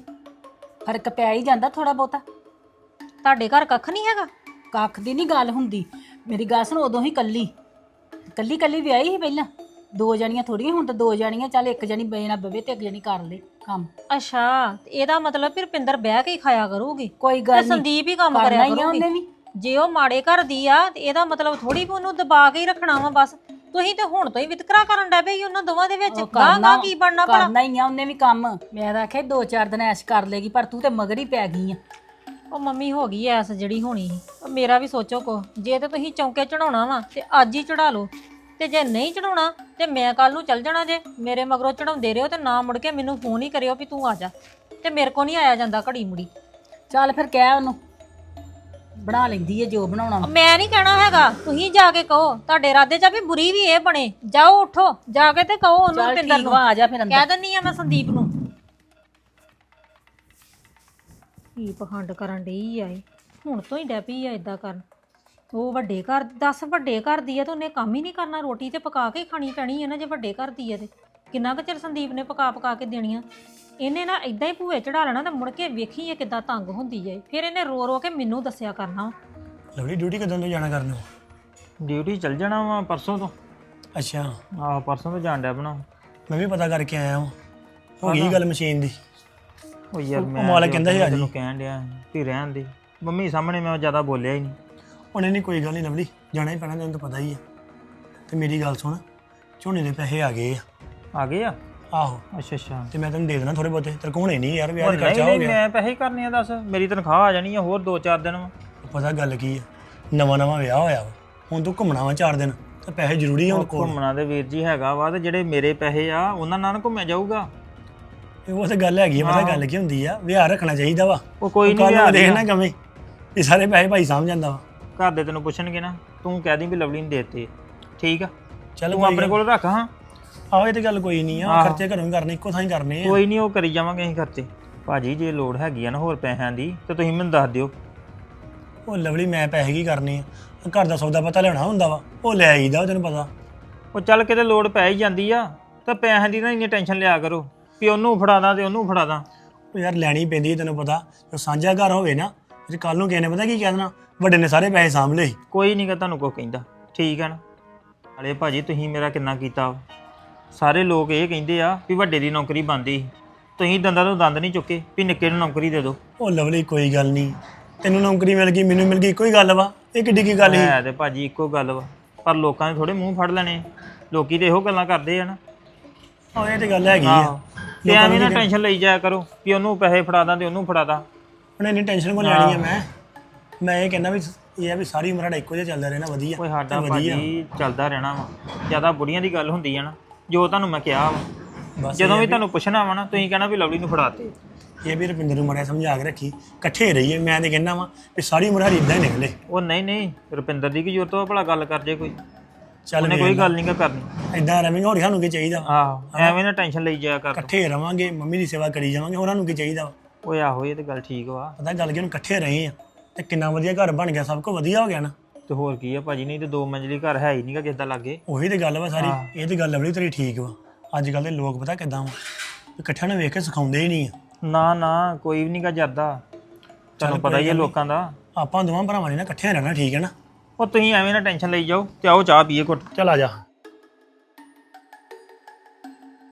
ਫਰਕ ਪੈ ਹੀ ਜਾਂਦਾ ਥੋੜਾ ਬਹੁਤਾ। ਤੁਹਾਡੇ ਘਰ ਕੱਖ ਨਹੀਂ ਹੈਗਾ? ਕੱਖ ਦੀ ਨਹੀਂ ਗੱਲ ਹੁੰਦੀ। ਮੇਰੀ ਗੱਲ ਸੁਣ, ਉਦੋਂ ਹੀ ਕੱਲੀ ਕੱਲੀ ਕੱਲੀ ਵਿਆਹੀ ਸੀ ਪਹਿਲਾਂ, ਦੋ ਜਣੀਆਂ ਥੋੜੀਆਂ, ਹੁਣ ਤਾਂ ਦੋ ਜਣੀਆਂ। ਚੱਲ ਇੱਕ ਜਣੀ ਬੇ ਨਾ ਬਵੇ ਤੇ ਇੱਕ ਜਣੀ ਕਰ ਲੇ ਕੰਮ। ਅੱਛਾ, ਤੇ ਇਹਦਾ ਮਤਲਬ ਫਿਰ ਰੁਪਿੰਦਰ ਬਹਿ ਕੇ ਹੀ ਖਾਇਆ ਕਰੂਗੀ ਕੋਈ ਤੇ ਗੱਲ ਨਹੀਂ, ਸੰਦੀਪ ਹੀ ਕੰਮ ਕਰਨਾ ਕਰਿਆ ਹੀ ਆ ਉਹਨੇ ਕਰੂਗੀ। ਵੀ। ਜੇ ਉਹ ਮਾੜੇ ਘਰ ਦੀ ਆ ਤੇ ਇਹਦਾ ਮਤਲਬ ਥੋੜੀ ਵੀ ਉਹਨੂੰ ਦਬਾ ਕੇ ਹੀ ਰੱਖਣਾ ਵਾ ਬਸ। ਤੁਸੀਂ ਤੇ ਹੁਣ ਤੋਂ ਹੀ ਵਿਤਕਰਾ ਕਰਨ ਡੈ ਪਏ ਉਹਨਾਂ ਦੋਵਾਂ ਦੇ ਵਿੱਚ। ਉਹ ਗਾਂ ਗਾਂ ਕੀ ਬਣਨਾ ਭਲਾ? ਕਰਨਾ ਹੀ ਆ ਉਹਨੇ ਵੀ ਕੰਮ। ਮੈਂ ਤਾਂ ਆਖਿਆ ਦੋ ਚਾਰ ਦਿਨ ਐਸ਼ ਕਰ ਲੇਗੀ, ਪਰ ਤੂੰ ਤੇ ਮਗਰ ਹੀ ਪੈ ਗਈ ਆ। ਉਹ ਮੰਮੀ ਹੋ ਗਈ ਐਸ ਜਿਹੜੀ ਹੋਣੀ ਸੀ। ਉਹ ਮੇਰਾ ਵੀ ਸੋਚੋ ਕੋ, ਜੇ ਤੇ ਤੁਸੀਂ ਚੌਂਕੇ ਚੜਾਉਣਾ ਵਾ ਤੇ ਅੱਜ ਹੀ ਚੜਾ ਲਓ, ਤੇ ਜੇ ਨਹੀਂ ਚੜਾਉਣਾ ਤੇ ਮੈਂ ਕੱਲ ਨੂੰ ਚੱਲ ਜਾਣਾ। ਜੇ ਮੇਰੇ ਮਗਰੋਂ ਚੜਾਉਂਦੇ ਰਹੋ ਤੇ ਨਾ ਮੁੜ ਕੇ ਮੈਨੂੰ ਫੋਨ ਹੀ ਕਰਿਓ ਵੀ ਤੂੰ ਆ ਜਾ, ਤੇ ਮੇਰੇ ਕੋ ਨਹੀਂ ਆਇਆ ਜਾਂਦਾ ਘੜੀ ਮੁੜੀ। ਚੱਲ ਫਿਰ ਕਹਿ ਉਹਨੂੰ, ਬਣਾ ਲੈਂਦੀ ਏ ਜੋ ਬਣਾਉਣਾ। ਮੈਂ ਨਹੀਂ ਕਹਿਣਾ ਹੈਗਾ, ਤੁਸੀਂ ਜਾ ਕੇ ਕਹੋ। ਤੁਹਾਡੇ ਇਰਾਦੇ ਚ ਵੀ ਬੁਰੀ ਵੀ ਇਹ ਬਣੇ। ਜਾਓ ਉੱਠੋ ਜਾ ਕੇ ਤੇ ਕਹੋ ਉਹਨੂੰ, ਚੱਲ ਰੁਪਿੰਦਰ ਠੀਕ ਨੂੰ ਵਾ, ਆ ਜਾ ਫਿਰ ਅੰਦਰ। ਕਹਿ ਦਿੰਨੀ ਆ ਮੈਂ ਸੰਦੀਪ ਨੂੰ। ਕੀ ਪਖੰਡ ਕਰਨ ਡਈ ਆ ਇਹ, ਹੁਣ ਤੋਂ ਹੀ ਡੈ ਪਈ ਆ ਇਦਾਂ ਕਰਨ। ਉਹ ਵੱਡੇ ਘਰ, ਦਸ ਵੱਡੇ ਘਰ ਦੀ ਆ ਤੇ ਉਹਨੇ ਕੰਮ ਹੀ ਨਹੀਂ ਕਰਨਾ। ਰੋਟੀ ਤੇ ਪਕਾ ਕੇ ਖਾਣੀ ਪੈਣੀ ਹੈ ਨਾ ਜੇ ਵੱਡੇ ਘਰ ਦੀ ਆ ਤੇ। ਕਿੰਨਾ ਕੁ ਚਿਰ ਸੰਦੀਪ ਨੇ ਪਕਾ ਪਕਾ ਕੇ ਦੇਣੀਆਂ। ਇਹਨੇ ਨਾ ਇਦਾਂ ਹੀ ਭੂਏ ਚੜਾ ਲੈਣਾ ਤੇ ਮੁੜ ਕੇ ਵੇਖੀ ਇਹ ਕਿੱਦਾਂ ਤੰਗ ਹੁੰਦੀ ਜਾਏ, ਫਿਰ ਇਹਨੇ ਰੋ ਰੋ ਕੇ ਮੈਨੂੰ ਦੱਸਿਆ ਕਰਨਾ। ਲਵਲੀ ਡਿਊਟੀ ਕਦੋਂ ਤੋਂ ਜਾਣਾ ਕਰਨ ਨੂੰ? ਡਿਊਟੀ ਚੱਲ ਜਾਣਾ ਵਾ ਪਰਸੋਂ ਤੋਂ। ਅੱਛਾ, ਆਹ ਪਰਸੋਂ ਤੋਂ ਜਾਣ ਡਿਆ ਬਣਾ। ਮੈਂ ਵੀ ਪਤਾ ਕਰਕੇ ਆਇਆ ਹਾਂ, ਹੋ ਗਈ ਗੱਲ ਮਸ਼ੀਨ ਦੀ। ਉਹ ਯਾਰ ਉਹ ਮੈਂ ਮਾਲਕ ਕਹਿੰਦਾ ਸੀ ਆ ਜੀ। ਤੈਨੂੰ ਕਹਿਣ ਡਿਆ ਵੀ ਰਹਿਣ ਦੇ, ਮੰਮੀ ਸਾਹਮਣੇ ਮੈਂ ਜ਼ਿਆਦਾ ਬੋਲਿਆ ਹੀ ਨਹੀਂ। ਉਹਨੇ ਨਹੀਂ ਕੋਈ ਗੱਲ ਨਹੀਂ ਲਵਲੀ, ਜਾਣਾ ਹੀ ਪੈਣਾ, ਤੈਨੂੰ ਤਾਂ ਪਤਾ ਹੀ ਆ। ਤੇ ਮੇਰੀ ਗੱਲ ਸੁਣ, ਝੋਨੇ ਦੇ ਪੈਸੇ ਆ ਗਏ ਆ। ਆ ਗਏ ਆ? ਆਹੋ, ਅੱਛਾ ਅੱਛਾ। ਤੇ ਮੈਂ ਤੈਨੂੰ ਦੇ ਦੇਣਾ ਥੋੜੇ ਬਹੁਤੇ, ਤੇਰੇ ਕੋਲ ਹੋਣੇ ਨਹੀਂ ਯਾਰ, ਵਿਆਹ ਉਹ ਦਾ ਨਹੀਂ ਖਰਚਾ ਹੋ ਨਹੀਂ ਗਿਆ। ਮੈਂ ਪੈਸੇ ਕਰਨੇ ਆ, ਦੱਸ ਮੇਰੀ ਤਨਖਾਹ ਆ ਜਾਣੀ ਆ ਹੋਰ ਦੋ ਚਾਰ ਦਿਨ ਵਾ। ਪਤਾ ਗੱਲ ਕੀ ਆ, ਨਵਾਂ ਨਵਾਂ ਵਿਆਹ ਹੋਇਆ ਵਾ, ਹੁਣ ਤੂੰ ਘੁੰਮਣਾ ਵਾ ਚਾਰ ਦਿਨ, ਤੇ ਪੈਸੇ ਜ਼ਰੂਰੀ ਆ ਹੁਣ ਕੋਲ। ਘੁੰਮਣਾ ਦੇ ਵੀਰ ਜੀ ਹੈਗਾ ਵਾ, ਤੇ ਜਿਹੜੇ ਮੇਰੇ ਪੈਸੇ ਆ ਉਹਨਾਂ ਨਾਲ ਨਾ ਘੁੰਮਿਆ ਜਾਊਗਾ। ਉਹ ਤਾਂ ਗੱਲ ਹੈਗੀ ਆ, ਪਤਾ ਗੱਲ ਕੀ ਹੁੰਦੀ ਆ, ਵਿਆਹ ਰੱਖਣਾ ਚਾਹੀਦਾ ਵਾ। ਉਹ ਕੋਈ ਕੱਲ੍ਹ ਨਹੀਂ ਨੂੰ ਦੇਖਣਾ ਕਵੇਂ ਵੀ ਸਾਰੇ ਪੈਸੇ ਭਾਈ ਸਾਂਭ ਜਾਂਦਾ ਵਾ। ਘਰ ਦੇ ਤੈਨੂੰ ਪੁੱਛਣਗੇ ਨਾ, ਤੂੰ ਕਹਿ ਦੀ ਵੀ ਲਵਲੀ ਨੂੰ ਦੇਤੇ, ਠੀਕ ਆ? ਚੱਲ ਤੂੰ ਆਪਣੇ ਕੋਲ ਰੱਖ। ਹਾਂ ਆਹੋ, ਇਹ ਤੇ ਗੱਲ ਕੋਈ ਨਹੀਂ ਆ, ਆਹੋ। ਖਰਚੇ ਘਰੋਂ ਹੀ ਕਰਨੇ, ਇੱਕੋ ਥਾਂ ਹੀ ਕਰਨੇ ਆ। ਕੋਈ ਨਹੀਂ, ਉਹ ਕਰੀ ਜਾਵਾਂਗੇ ਅਸੀਂ ਖਰਚੇ। ਭਾਜੀ ਜੇ ਲੋੜ ਹੈਗੀ ਆ ਨਾ ਹੋਰ ਪੈਸਿਆਂ ਦੀ ਤੇ ਤੁਸੀਂ ਮੈਨੂੰ ਦੱਸ ਦਿਓ। ਉਹ ਲਵਲੀ ਮੈਂ ਪੈਸੇ ਕੀ ਕਰਨੇ ਆ, ਘਰ ਦਾ ਸੌਦਾ ਪਤਾ ਲਿਆਉਣਾ ਹੁੰਦਾ ਵਾ, ਉਹ ਲੈ ਆਈਦਾ ਉਹ ਤੈਨੂੰ ਪਤਾ। ਉਹ ਚੱਲ ਕਿਤੇ ਲੋੜ ਪੈ ਹੀ ਜਾਂਦੀ ਆ, ਤਾਂ ਪੈਸਿਆਂ ਦੀ ਨਾ ਇੰਨੀ ਟੈਨਸ਼ਨ ਲਿਆ ਕਰੋ ਵੀ ਉਹਨੂੰ ਫੜਾ ਦਾਂ ਤੇ ਉਹਨੂੰ ਫੜਾ ਦਾਂ। ਉਹ ਯਾਰ ਲੈਣੀ ਪੈਂਦੀ ਤੈਨੂੰ ਪਤਾ, ਜੋ ਸਾਂਝਾ ਘਰ ਹੋਵੇ ਨਾ, ਜੇ ਕੱਲ ਨੂੰ ਕਿਸੇ ਨੇ ਪਤਾ ਕੀ ਕਹਿ ਦੇਣਾ, ਵੱਡੇ ਨੇ ਸਾਰੇ ਪੈਸੇ ਸਾਂਭ ਲਏ। ਕੋਈ ਨਹੀਂ ਗਾ ਤੁਹਾਨੂੰ ਕੋਈ ਕਹਿੰਦਾ, ਠੀਕ ਆ ਨਾ? ਹਲੇ ਭਾਜੀ ਤੁਸੀਂ ਮੇਰਾ ਕਿੰਨਾ ਕੀਤਾ ਵਾ। ਸਾਰੇ ਲੋਕ ਇਹ ਕਹਿੰਦੇ ਆ ਵੀ ਵੱਡੇ ਦੀ ਨੌਕਰੀ ਬਣਦੀ ਸੀ, ਤੁਸੀਂ ਦੰਦਾਂ ਤੋਂ ਦੰਦ ਨਹੀਂ ਚੁੱਕੇ ਵੀ ਨਿੱਕੇ ਨੂੰ ਨੌਕਰੀ ਦੇ ਦਿਓ। ਉਹ ਲਵਲੀ ਕੋਈ ਗੱਲ ਨਹੀਂ, ਤੈਨੂੰ ਨੌਕਰੀ ਮਿਲ ਗਈ ਮੈਨੂੰ ਮਿਲ ਗਈ, ਇੱਕੋ ਹੀ ਗੱਲ ਵਾ, ਇਹ ਕਿੱਡੀ ਕੀ ਗੱਲ ਸੀ। ਹੈ ਤੇ ਭਾਜੀ ਇੱਕੋ ਗੱਲ ਵਾ, ਪਰ ਲੋਕਾਂ ਨੇ ਥੋੜੇ ਮੂੰਹ ਫੜ ਲੈਣੇ, ਲੋਕੀ ਤੇ ਇਹੋ ਗੱਲਾਂ ਕਰਦੇ ਆ ਨਾ। ਆਹ ਇਹ ਤੇ ਗੱਲ ਹੈਗੀ ਆਹੋ, ਆ। ਤੇ ਐਵੇਂ ਨਾ ਟੈਨਸ਼ਨ ਲਈ ਜਾਇਆ ਕਰੋ ਵੀ ਉਹਨੂੰ ਪੈਸੇ ਫੜਾ ਦਾਂ ਤੇ ਉਹਨੂੰ ਫੜਾ ਦਾਂ। ਉਹਨੇ ਇੰਨੀ ਟੈਨਸ਼ਨ ਕੋ ਲੈਣੀ ਆ। ਮੈਂ ਮੈਂ ਇਹ ਕਹਿੰਦਾ ਵੀ ਇਹ ਆ ਵੀ ਸਾਰੀ ਉਮਰ ਸਾਡਾ ਇੱਕੋ ਜਿਹਾ ਚੱਲਦਾ ਰਹਿਣਾ, ਵਧੀਆ ਕੋਈ ਸਾਡਾ ਭਾਜੀ ਚੱਲਦਾ ਰਹਿਣਾ ਵਾ। ਜਿਆਦਾ ਬੁੜੀਆਂ ਦੀ ਗੱਲ ਹੁੰਦੀ ਆ ਨਾ, ਜੋ ਤੁਹਾਨੂੰ ਮੈਂ ਕਿਹਾ ਵਾ, ਬਸ ਜਦੋਂ ਵੀ ਤੁਹਾਨੂੰ ਪੁੱਛਣਾ ਵਾ ਨਾ ਤੁਸੀਂ ਕਹਿਣਾ ਵੀ ਲਵਲੀ ਨੂੰ ਫੜਾਤੇ। ਇਹ ਵੀ ਰੁਪਿੰਦਰ ਨੂੰ ਮਾੜਾ ਸਮਝਾ ਕੇ ਰੱਖੀ, ਇਕੱਠੇ ਰਹੀਏ। ਮੈਂ ਤੇ ਕਹਿੰਦਾ ਵਾਂ ਵੀ ਸਾਰੀ ਉਮਰ ਸਾਡੀ ਇਦਾਂ ਹੀ ਨਿਕਲੇ। ਉਹ ਨਹੀਂ ਨਹੀਂ, ਰੁਪਿੰਦਰ ਦੀ ਕੀ ਜ਼ਰੂਰਤ ਵਾ ਭਲਾ ਗੱਲ ਕਰ ਜੇ ਕੋਈ, ਚੱਲ ਉਹਨੇ ਕੋਈ ਗੱਲ ਨਹੀਂ ਗਾ ਕਰਨੀ। ਇਦਾਂ ਰਵਾਂਗੇ, ਹੋਰ ਸਾਨੂੰ ਕੀ ਚਾਹੀਦਾ ਵਾ? ਆਹੋ, ਐਵੇਂ ਨਾ ਟੈਨਸ਼ਨ ਲਈ ਜਾਇਆ ਕਰ। ਇਕੱਠੇ ਰਵਾਂਗੇ, ਮੰਮੀ ਦੀ ਸੇਵਾ ਕਰੀ ਜਾਵਾਂਗੇ, ਹੋਰਾਂ ਨੂੰ ਕੀ ਚਾਹੀਦਾ ਵਾ? ਓਏ ਆਹੋ, ਇਹ ਤੇ ਗੱਲ ਠੀਕ ਵਾ। ਪਤਾ ਗੱਲ ਕੀ, ਹੁਣ ਇਕੱਠੇ ਰਹੇ ਆ ਤੇ ਕਿੰਨਾ ਵਧੀਆ ਘਰ ਬਣ ਗਿਆ, ਸਭ ਕੁਝ ਵਧੀਆ ਹੋ ਗਿਆ ਨਾ। ਤੇ ਹੋਰ ਕੀ ਆ ਭਾਜੀ, ਨਹੀਂ ਤੇ ਦੋ ਮੰਜ਼ਲੀ ਘਰ ਹੈ ਹੀ ਨਹੀਂਗਾ ਕਿਸੇ ਦਾ ਲਾਗੇ। ਉਹੀ ਤੇ ਗੱਲ ਵਾ ਸਾਰੀ। ਇਹ ਤੇ ਗੱਲ ਬੜੀ ਤੇਰੀ ਠੀਕ ਵਾ। ਅੱਜ ਕੱਲ ਦੇ ਲੋਕ ਪਤਾ ਕਿੱਦਾਂ ਵਾ, ਇਕੱਠਿਆਂ ਨੂੰ ਵੇਖ ਕੇ ਸਿਖਾਉਂਦੇ ਹੀ ਨਹੀਂ ਆ। ਨਾ ਨਾ, ਕੋਈ ਵੀ ਨਹੀਂਗਾ ਜਰਦਾ, ਤੁਹਾਨੂੰ ਪਤਾ ਹੀ ਹੈ ਲੋਕਾਂ ਦਾ। ਆਪਾਂ ਦੋਵਾਂ ਭਰਾਵਾਂ ਨੇ ਨਾ ਇਕੱਠਿਆਂ ਰਹਿਣਾ, ਠੀਕ ਹੈ ਨਾ? ਉਹ ਤੁਸੀਂ ਐਵੇਂ ਨਾ ਟੈਨਸ਼ਨ ਲਈ ਜਾਓ ਤੇ ਆਓ ਚਾਹ ਪੀਏ ਘੁੱਟ। ਚੱਲ ਆ ਜਾ।